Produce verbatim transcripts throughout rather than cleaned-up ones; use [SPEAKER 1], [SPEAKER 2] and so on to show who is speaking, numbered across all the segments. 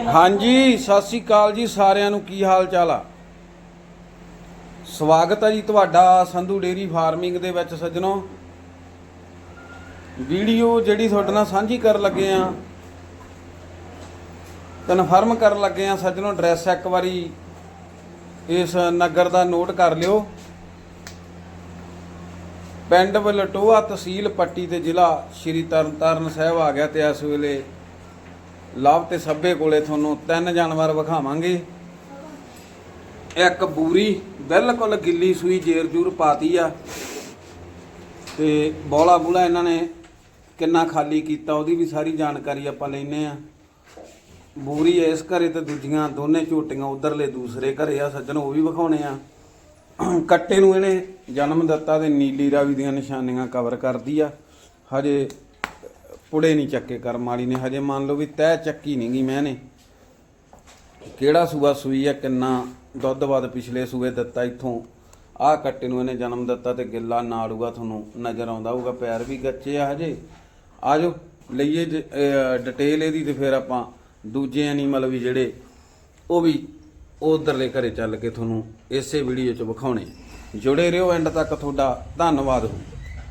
[SPEAKER 1] ਹਾਂਜੀ ਸਤਿ ਸ੍ਰੀ ਅਕਾਲ ਜੀ ਸਾਰਿਆਂ ਨੂੰ। ਕੀ ਹਾਲ ਚਾਲ ਆ? ਸਵਾਗਤ ਹੈ ਜੀ ਤੁਹਾਡਾ ਸੰਧੂ ਡੇਰੀ ਫਾਰਮਿੰਗ ਦੇ ਵਿੱਚ। ਸੱਜਣੋ, ਵੀਡੀਓ ਜਿਹੜੀ ਤੁਹਾਡੇ ਨਾਲ ਸਾਂਝੀ ਕਰਨ ਲੱਗੇ ਆ, ਕਨਫਰਮ ਕਰਨ ਲੱਗੇ ਆ ਸੱਜਣੋ। ਐਡਰੈਸ ਇੱਕ ਵਾਰੀ ਇਸ ਨਗਰ ਦਾ ਨੋਟ ਕਰ ਲਿਓ। ਪਿੰਡ ਵਲਟੋਆ, ਤਹਿਸੀਲ ਪੱਟੀ ਤੇ ਜ਼ਿਲ੍ਹਾ ਸ਼੍ਰੀ ਤਰਨਤਾਰਨ ਸਾਹਿਬ ਆ ਗਿਆ। ਤੇ ਇਸ ਵੇਲੇ ਲਵ ਤੇ ਸੱਭੇ ਕੋਲੇ ਤੁਹਾਨੂੰ ਤਿੰਨ ਜਾਨਵਰ ਵਿਖਾਵਾਂਗੇ। ਇੱਕ ਬੂਰੀ ਬਿਲਕੁਲ ਗਿੱਲੀ ਸੂਈ, ਜੇਰ ਜੂਰ ਪਾਤੀ ਆ, ਤੇ ਬੋਲਾ ਬੂਲਾ ਇਹਨਾਂ ਨੇ ਕਿੰਨਾ ਖਾਲੀ ਕੀਤਾ ਉਹਦੀ ਵੀ ਸਾਰੀ ਜਾਣਕਾਰੀ ਆਪਾਂ ਲੈਨੇ ਆ। ਬੂਰੀ ਇਸ ਘਰੇ ਤੇ ਦੂਜੀਆਂ ਦੋਨੇ ਝੋਟੀਆਂ ਉਧਰਲੇ ਦੂਸਰੇ ਘਰੇ ਆ ਸੱਜਣ, ਉਹ ਵੀ ਵਿਖਾਉਣੇ ਆ। ਕੱਟੇ ਨੂੰ ਇਹਨੇ ਜਨਮ ਦਿੱਤਾ ਤੇ ਨੀਲੀ ਰਾਵੀ ਦੀਆਂ ਨਿਸ਼ਾਨੀਆਂ ਕਵਰ ਕਰਦੀ ਆ। ਹਜੇ ਪੁੜੇ ਨਹੀਂ ਚੱਕੇ ਕਰਮ ਵਾਲੀ ਨੇ, ਹਜੇ ਮੰਨ ਲਓ ਵੀ ਤੈਅ ਚੱਕੀ ਨਹੀਂ ਗਈ ਮੈਨੇ। ਕਿਹੜਾ ਸੂਆ ਸੂਈ ਆ, ਕਿੰਨਾ ਦੁੱਧ ਵੱਧ ਪਿਛਲੇ ਸੂਏ ਦਿੱਤਾ। ਇੱਥੋਂ ਆਹ ਕੱਟੇ ਨੂੰ ਇਹਨੇ ਜਨਮ ਦਿੱਤਾ ਤੇ ਗਿੱਲਾ ਨਾੜੂਗਾ ਤੁਹਾਨੂੰ ਨਜ਼ਰ ਆਉਂਦਾ ਹੋਊਗਾ। ਪੈਰ ਵੀ ਗੱਚੇ ਆ ਹਜੇ। ਆ ਜਾਓ ਲਈਏ ਡਿਟੇਲ ਇਹਦੀ, ਤੇ ਫਿਰ ਆਪਾਂ ਦੂਜੇ ਐਨੀਮਲ ਵੀ ਜਿਹੜੇ ਉਹ ਵੀ ਉਧਰਲੇ ਘਰੇ ਚੱਲ ਕੇ ਤੁਹਾਨੂੰ ਇਸੇ ਵੀਡੀਓ 'ਚ ਵਿਖਾਉਣੇ। ਜੁੜੇ ਰਹੋ ਐਂਡ ਤੱਕ, ਤੁਹਾਡਾ ਧੰਨਵਾਦ ਹੋ।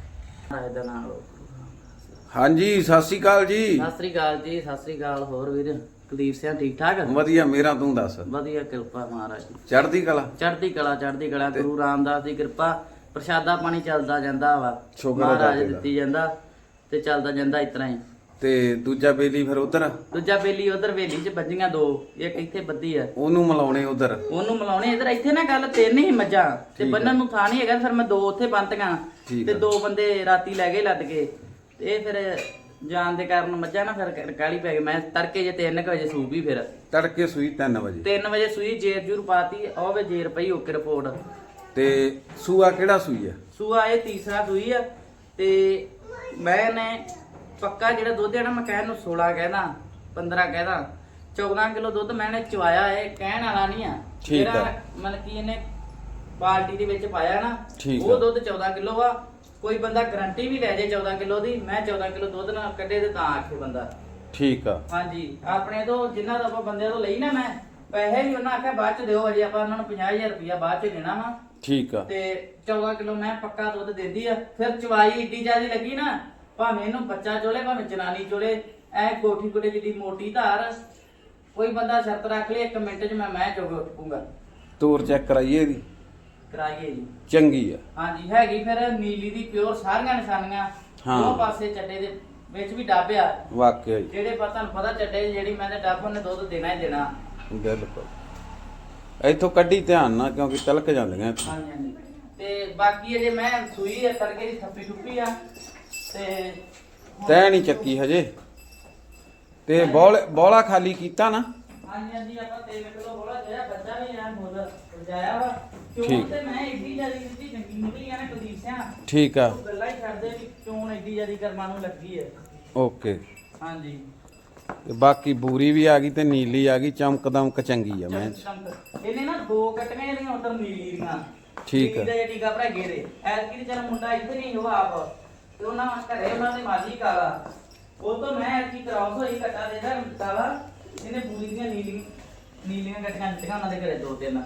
[SPEAKER 1] ਹਾਂਜੀ ਸਤਿ ਸ੍ਰੀ ਅਕਾਲ ਜੀ।
[SPEAKER 2] ਸਤਿ ਸ੍ਰੀ ਅਕਾਲ ਜੀ, ਸਤਿ ਸ੍ਰੀ ਅਕਾਲ। ਹੋਰ ਵੀਰ ਕੁਲਦੀਪ ਸਿੰਘ ਠੀਕ ਠਾਕ?
[SPEAKER 1] ਵਧੀਆ, ਮੇਰਾ ਤੂੰ ਦੱਸ।
[SPEAKER 2] ਵਧੀਆ, ਕਿਰਪਾ ਮਹਾਰਾਜ।
[SPEAKER 1] ਚੜ੍ਹਦੀ ਕਲਾ
[SPEAKER 2] ਚੜ੍ਹਦੀ ਕਲਾ, ਚੜ੍ਹਦੀ ਕਲਾ। ਗੁਰੂ ਰਾਮਦਾਸ ਦੀ ਕਿਰਪਾ, ਪ੍ਰਸ਼ਾਦਾ ਪਾਣੀ ਚੱਲਦਾ ਜਾਂਦਾ ਵਾ, ਮਹਾਰਾਜ ਦਿੱਤੀ ਜਾਂਦਾ ਤੇ ਚੱਲਦਾ ਜਾਂਦਾ ਇਸ ਤਰ੍ਹਾਂ ਹੀ।
[SPEAKER 1] ਤੇ ਦੂਜਾ ਬੇਲੀ ਫਿਰ ਉਧਰ,
[SPEAKER 2] ਦੂਜਾ ਬੇਲੀ ਉਧਰ ਵੇਲੀ 'ਚ ਬੱਜੀਆਂ ਦੋ, ਇੱਕ ਇੱਥੇ ਬੱਧੀ ਆ,
[SPEAKER 1] ਉਹਨੂੰ ਮਿਲਾਉਣੇ ਉਧਰ,
[SPEAKER 2] ਉਹਨੂੰ ਮਿਲਾਉਣੇ ਇਧਰ। ਇੱਥੇ ਨਾ ਗੱਲ ਤਿੰਨ ਹੀ ਮੱਝਾਂ ਤੇ ਬੰਨਣ ਨੂੰ ਥਾਂ ਨਹੀਂ ਹੈਗਾ, ਫਿਰ ਮੈਂ ਦੋ ਉੱਥੇ ਬੰਨਤੀਆਂ ਤੇ ਦੋ ਬੰਦੇ ਰਾਤੀ ਲੈ ਗਏ ਲੱਦ ਕੇ। ਇਹ ਫਿਰ ਜਾਣ ਦੇ ਕਾਰਨ ਮੱਝਾਂ ਨਾ ਫਿਰ ਕਾਲੀ ਪੈ ਗਈ। ਮੈਂ ਤੜਕੇ ਜੇ ਤਿੰਨ ਕੁ ਵਜੇ ਸੂਬੀ, ਫਿਰ
[SPEAKER 1] ਤੜਕੇ ਸੂਈ ਤਿੰਨ ਵਜੇ
[SPEAKER 2] ਤਿੰਨ ਵਜੇ ਸੂਈ, ਜੇਰ ਜੂਰ ਪਾਤੀ, ਉਹ ਵੇ ਜੇਰ ਪਈ ਓਕੇ ਰਿਪੋਰਟ।
[SPEAKER 1] ਤੇ ਸੂਆ ਕਿਹੜਾ ਸੂਈ ਆ?
[SPEAKER 2] ਸੂਆ ਇਹ ਤੀਸਰਾ ਸੂਈ ਆ। ਤੇ ਮੈਂ ਨੇ ਪੱਕਾ ਜਿਹੜਾ ਦੁੱਧ ਹੈ ਨਾ, ਮੈਂ ਕਹਿਣ ਨੂੰ ਸੋਲਾਂ ਕਹਿਦਾ, ਪੰਦਰਾਂ ਕਹਿਦਾ, ਚੌਦਾਂ ਕਿਲੋ ਦੁੱਧ ਮੈਨੇ ਚਵਾਇਆ। ਇਹ ਕਹਿਣ ਵਾਲਾ ਨਹੀਂ ਆ, ਜਿਹੜਾ ਮਤਲਬ ਕਿ ਇਹਨੇ ਬਾਲਟੀ ਦੇ ਵਿੱਚ ਪਾਇਆ ਨਾ, ਉਹ ਦੁੱਧ ਚੌਦਾਂ ਕਿਲੋ ਆ। ਕੋਈ ਬੰਦਾ ਗਰੰਟੀ ਵੀ ਲੈ ਜੇ ਚੌਦਾਂ ਕਿਲੋ ਦੀ, ਮੈਂ ਚੌਦਾਂ ਕਿਲੋ ਦੁੱਧ ਨਾ ਕੱਢੇ ਤੇ ਤਾਂ ਆਖੇ ਬੰਦਾ
[SPEAKER 1] ਠੀਕ ਆ। ਹਾਂਜੀ,
[SPEAKER 2] ਆਪਣੇ ਤੋਂ ਜਿੰਨਾ ਦਾ ਆਪਾਂ ਬੰਦਿਆਂ ਤੋਂ ਲਈ ਨਾ, ਮੈਂ ਪੈਸੇ ਵੀ ਉਹਨਾਂ ਆਖਿਆ ਬਾਅਦ ਚ ਦਿਓ, ਅਜੇ ਆਪਾਂ ਉਹਨਾਂ ਨੂੰ ਪੰਜਾਹ ਹਜ਼ਾਰ ਰੁਪਇਆ ਬਾਅਦ ਚ ਦੇਣਾ ਵਾ। ਠੀਕ ਆ। ਤੇ ਚੌਦਾਂ ਕਿਲੋ ਮੈਂ ਪੱਕਾ ਦੁੱਧ ਦਿੰਦੀ ਆ। ਫਿਰ ਚਵਾਈ ਏਡੀ ਜ਼ਿਆਦੀ ਲੱਗੀ ਨਾ, ਭਾਵੇਂ ਇਹਨੂੰ ਬੱਚਾ ਚੋਲੇ ਭਾਵੇਂ ਜਨਾਨੀ ਚੋਲੇ, ਐ ਕੋਠੀ ਕੋਠੇ ਜਿੱਡੀ ਮੋਟੀ ਧਾਰ। ਕੋਈ ਬੰਦਾ ਸ਼ਰਤ ਰੱਖ ਲੇ, ਇੱਕ ਮਿੰਟ ਚ ਮੈਂ ਮੈਂ ਚੋਗ ਉੱਠੂਗਾ।
[SPEAKER 1] ਤੋਰ ਚੈੱਕ ਕਰਾਈਏ ਇਹਦੀ?
[SPEAKER 2] ਕਰਾਈਏ ਜੀ,
[SPEAKER 1] ਚੰਗੀ ਆ। ਹਾਂਜੀ
[SPEAKER 2] ਹੈਗੀ। ਫਿਰ ਨੀਲੀ ਦੀ ਪਿਓਰ, ਸਾਰੀਆਂ ਨਿਸ਼ਾਨੀਆਂ ਦੋ ਪਾਸੇ ਚੱਡੇ ਦੇ ਵਿੱਚ ਵੀ ਡੱਬ ਆ। ਵਾਕਿਆ ਜਿਹੜੇ ਪਰ ਤੁਹਾਨੂੰ ਪਤਾ ਚੱਡੇ ਜਿਹੜੀ ਮੈਂ ਤੇ ਡੱਬ ਉਹਨੇ ਦੁੱਧ ਦੇਣਾ ਹੀ ਦੇਣਾ।
[SPEAKER 1] ਬਿਲਕੁਲ। ਇੱਥੋਂ ਕੱਢੀ ਧਿਆਨ ਨਾਲ, ਕਿਉਂਕਿ ਤਲਕ ਜਾਂਦੀਆਂ।
[SPEAKER 2] ਹਾਂਜੀ ਹਾਂਜੀ। ਤੇ ਬਾਕੀ ਅਜੇ ਮੈਂ ਸੂਈ ਆ, ਤੜਕੇ ਦੀ ਥੱਪੀ ਠੁੱਪੀ ਆ, ਤੇ
[SPEAKER 1] ਤੈ ਨਹੀਂ ਚੱਕੀ ਹਜੇ। ਤੇ ਬੋਲ ਬੋਲਾ ਖਾਲੀ ਕੀਤਾ ਨਾ?
[SPEAKER 2] ਹਾਂਜੀ ਹਾਂਜੀ, ਆਪਾਂ ਤਿੰਨ ਕਿਲੋ ਬੋਲਾ ਜਿਹੜਾ ਬੱਚਾ ਵੀ ਆ ਮੁੱਲ ਜਾਇਆ ਵਾ। ਚੋਣ ਤੇ ਮੈਂ ਏਡੀ ਜਿਆਦੀ ਦਿੱਤੀ, ਚੰਗੀ ਨਿਕਲੀ ਆ ਨਾ ਕੁਲਦੀਪ ਸਿੰਘ। ਠੀਕ ਆ। ਗੱਲਾਂ ਹੀ ਛੱਡਦੇ ਵੀ ਚੋਣ ਏਡੀ ਜਿਆਦੀ ਕਰਮਾਂ ਨੂੰ ਲੱਗੀ ਹੈ।
[SPEAKER 1] ਓਕੇ।
[SPEAKER 2] ਹਾਂਜੀ।
[SPEAKER 1] ਤੇ ਬਾਕੀ ਬੂਰੀ ਵੀ ਆ ਗਈ ਤੇ ਨੀਲੀ ਆ ਗਈ, ਚਮਕ ਦਮਕ ਚੰਗੀ ਆ। ਮੈਂ
[SPEAKER 2] ਇਹਨੇ ਨਾ ਦੋ ਕੱਟੀਆਂ ਜਿਹੜੀਆਂ ਉਧਰ ਨੀਲੀ ਦੀਆਂ।
[SPEAKER 1] ਠੀਕ ਆ।
[SPEAKER 2] ਇਹਦਾ ਟੀਕਾ ਭਰਾ ਗੇਰੇ ਐਤਕੀ ਚੱਲ ਮੁੰਡਾ ਇੱਥੇ ਨਹੀਂ ਉਹ ਆਪ, ਤੇ ਉਹਨਾਂ ਘਰੇ ਉਹਨਾਂ ਦੇ ਮਾਲੀ ਕਾਲਾ, ਉਹ ਤੋਂ ਮੈਂ ਐਤਕੀ ਕਰਾਉਸ ਹੋਈ ਕੱਟਾ ਦੇਦਾ ਕਾਲਾ। ਇਹਨੇ ਬੂਰੀ ਦੀਆਂ ਨੀਲੀ ਨੀਲੀਆਂ ਕੱਟੀਆਂ ਦਿੱਤੀਆਂ ਉਹਨਾਂ ਦੇ ਘਰੇ ਦੋ ਤਿੰਨ।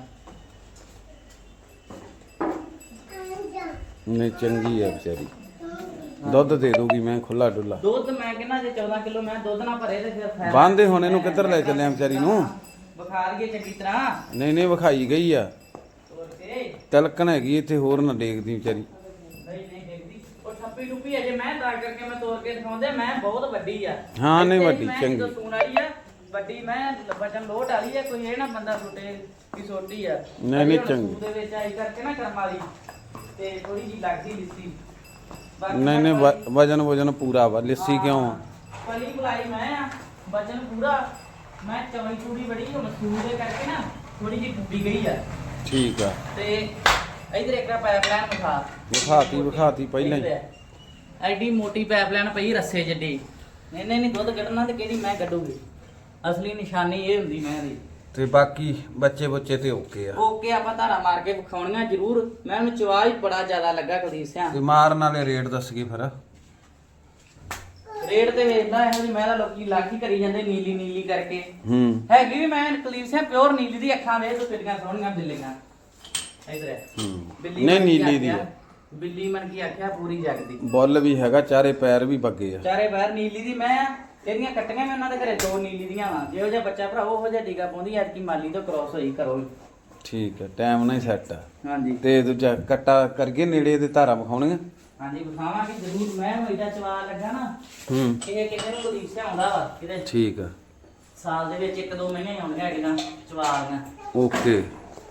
[SPEAKER 1] ਨਹੀਂ ਚੰਗੀ ਆ ਵਿਚਾਰੀ, ਦੁੱਧ ਦੇ ਦੂਗੀ। ਮੈਂ ਖੁੱਲਾ ਡੁੱਲਾ
[SPEAKER 2] ਦੁੱਧ ਮੈਂ ਕਹਿੰਦਾ ਜੇ ਚੌਦਾਂ ਕਿਲੋ ਮੈਂ ਦੁੱਧ ਨਾ ਭਰੇ ਤੇ ਫਿਰ ਫਾਇਦਾ।
[SPEAKER 1] ਬੰਦੇ ਹੁਣ ਇਹਨੂੰ ਕਿੱਧਰ ਲੈ ਚੱਲੇ ਆ ਵਿਚਾਰੀ ਨੂੰ?
[SPEAKER 2] ਬੁਖਾਰ ਗਈ ਚੰਗੀ ਤਰ੍ਹਾਂ।
[SPEAKER 1] ਨਹੀਂ ਨਹੀਂ, ਵਿਖਾਈ ਗਈ ਆ। ਤਲਕਣ ਹੈਗੀ ਇੱਥੇ, ਹੋਰ ਨਾ ਡੇਗਦੀ ਵਿਚਾਰੀ।
[SPEAKER 2] ਨਹੀਂ ਨਹੀਂ ਡੇਗਦੀ, ਉਹ ਠੱਪੀ ਠੁੱਪੀ ਅਜੇ ਮੈਂ ਤਾਂ ਕਰਕੇ ਮੈਂ ਤੋੜ ਕੇ ਦਿਖਾਉਂਦੇ। ਮੈਂ ਬਹੁਤ ਵੱਡੀ ਆ।
[SPEAKER 1] ਹਾਂ ਨਹੀਂ ਵੱਡੀ, ਚੰਗੀ।
[SPEAKER 2] ਮੈਂ ਸੂਣ ਆਈ ਆ ਵੱਡੀ, ਮੈਂ ਵਜਨ ਲੋਟ ਵਾਲੀ ਆ। ਕੋਈ ਇਹ ਨਾ ਬੰਦਾ ਛੋਟੇ ਕੀ ਛੋਟੀ ਆ।
[SPEAKER 1] ਨਹੀਂ ਨਹੀਂ ਚੰਗੀ।
[SPEAKER 2] ਦੇ ਵਿੱਚ ਆਈ ਕਰਕੇ ਨਾ ਕਰਮ ਵਾਲੀ ਤੇ ਥੋੜੀ ਜੀ ਲੱਗਦੀ ਲਿੱਸੀ।
[SPEAKER 1] ਨਹੀਂ ਨਹੀਂ, ਵਜਨ ਵਜਨ ਪੂਰਾ ਵਾ। ਲਿੱਸੀ ਕਿਉਂ ਆ?
[SPEAKER 2] ਪਲੀ ਬੁਲਾਈ ਮੈਂ ਆ, ਵਜਨ ਪੂਰਾ। ਮੈਂ ਚੌੜੀ ਚੂੜੀ ਬੜੀ ਮਸੂਰ ਦੇ ਕਰਕੇ ਨਾ ਥੋੜੀ ਜੀ ਡੁੱਬੀ ਗਈ ਆ। ਠੀਕ ਆ। ਤੇ ਇਧਰ ਇੱਕ ਪਾਈਪਲਾਈਨ ਵਿਖਾ ਵਿਖਾਤੀ ਵਿਖਾਤੀ ਪਹਿਲਾਂ ਹੀ। ਐਡੀ ਮੋਟੀ ਪਾਈਪਲਾਈਨ ਪਈ ਰੱਸੇ ਜੱਡੀ। ਇਹਨੇ ਨਹੀਂ ਦੁੱਧ ਕੱਢਣਾ ਤੇ ਕਿਹੜੀ ਮੈਂ ਕੱਢੂਗੀ। ਅਸਲੀ ਨਿਸ਼ਾਨੀ ਇਹ ਹੁੰਦੀ ਮੈਂ ਦੀ। ਤੇ ਬਾਕੀ ਬੱਚੇ ਬੱਚੇ ਤੇ ਓਕੇ ਆ। ਓਕੇ, ਆਪਾਂ ਧਾਰਾ ਮਾਰ ਕੇ ਵਿਖਾਉਣੀਆਂ ਜ਼ਰੂਰ। ਮੈਂ ਉਹਨੂੰ ਚਵਾ ਹੀ ਬੜਾ ਜ਼ਿਆਦਾ ਲੱਗਾ ਕੁਲਦੀਪ ਸਿੰਘ। ਤੇ ਮਾਰਨ ਵਾਲੇ ਰੇਟ ਦੱਸ ਗਏ ਫਿਰ? ਰੇਟ ਤੇ ਵੇਚਦਾ ਇਹੋ ਜਿਹੀ ਮੈਂ ਤਾਂ ਲੋਕੀ ਲੱਖ ਹੀ ਕਰੀ ਜਾਂਦੇ ਨੀਲੀ ਨੀਲੀ ਕਰਕੇ
[SPEAKER 1] ਹੂੰ
[SPEAKER 2] ਹੈਗੀ ਵੀ ਮੈਂ ਕਲੀਰ ਸੇ ਪਿਓਰ ਨੀਲੀ ਦੀ ਅੱਖਾਂ ਵੇਖ ਤੂੰ ਕਿੰਨੀਆਂ ਸੋਹਣੀਆਂ ਬਿੱਲੀਆਂ ਇਧਰ ਹੈ
[SPEAKER 1] ਹੂੰ
[SPEAKER 2] ਬਿੱਲੀ
[SPEAKER 1] ਨਹੀਂ
[SPEAKER 2] ਮਨ ਕੀ
[SPEAKER 1] ਨੀਲੀ ਦੀ
[SPEAKER 2] ਆਖਿਆ,
[SPEAKER 1] ਆ।
[SPEAKER 2] ਬਿੱਲੀ ਮਨ ਕੀ ਆਖਿਆ ਪੂਰੀ ਜਗਦੀ
[SPEAKER 1] ਬੁੱਲ ਵੀ ਹੈਗਾ, ਚਾਰੇ ਪੈਰ ਵੀ ਬੱਗੇ ਆ।
[SPEAKER 2] ਚਾਰੇ ਬਾਹਰ ਨੀਲੀ ਦੀ ਮੈਂ ਆ ਇਹਦੀਆਂ ਕੱਟੀਆਂ ਮੈਂ ਉਹਨਾਂ ਦੇ ਘਰੇ ਦੋ ਨੀਲੀ ਦੀਆਂ ਵਾ ਜਿਹੋ ਜਿਹਾ ਬੱਚਾ ਭਰਾ ਉਹੋ ਜਿਹਾ ਟੀਕਾ ਪਾਉਂਦੀ ਐਤਕੀ ਮਾਲੀ ਤੋਂ ਕ੍ਰੋਸ ਹੋਈ ਕਰੋ
[SPEAKER 1] ਠੀਕ ਹੈ, ਟਾਈਮ ਨਾਲ ਹੀ ਸੈੱਟ ਆ।
[SPEAKER 2] ਹਾਂਜੀ
[SPEAKER 1] ਤੇ ਦੂਜਾ ਕੱਟਾ ਕਰਗੇ ਨੇੜੇ ਦੇ ਧਾਰਾ ਵਿਖਾਉਣੀਆਂ।
[SPEAKER 2] ਹਾਂਜੀ ਵਿਖਾਵਾਂਗੇ ਜ਼ਰੂਰ ਮੈਂ ਹੋਈਦਾ ਚਵਾ ਲੱਗਾ ਨਾ
[SPEAKER 1] ਹੂੰ
[SPEAKER 2] ਇਹ ਕਿਤੇ ਨੂੰ ਪੁਲਿਸ ਆਉਂਦਾ ਵਾ ਕਿਤੇ
[SPEAKER 1] ਠੀਕ ਆ
[SPEAKER 2] ਸਾਲ ਦੇ ਵਿੱਚ ਇੱਕ ਦੋ ਮਹੀਨੇ ਆਉਂਦੀਆਂ ਹੈਗੀਆਂ ਚਵਾਲੀਆਂ
[SPEAKER 1] ਓਕੇ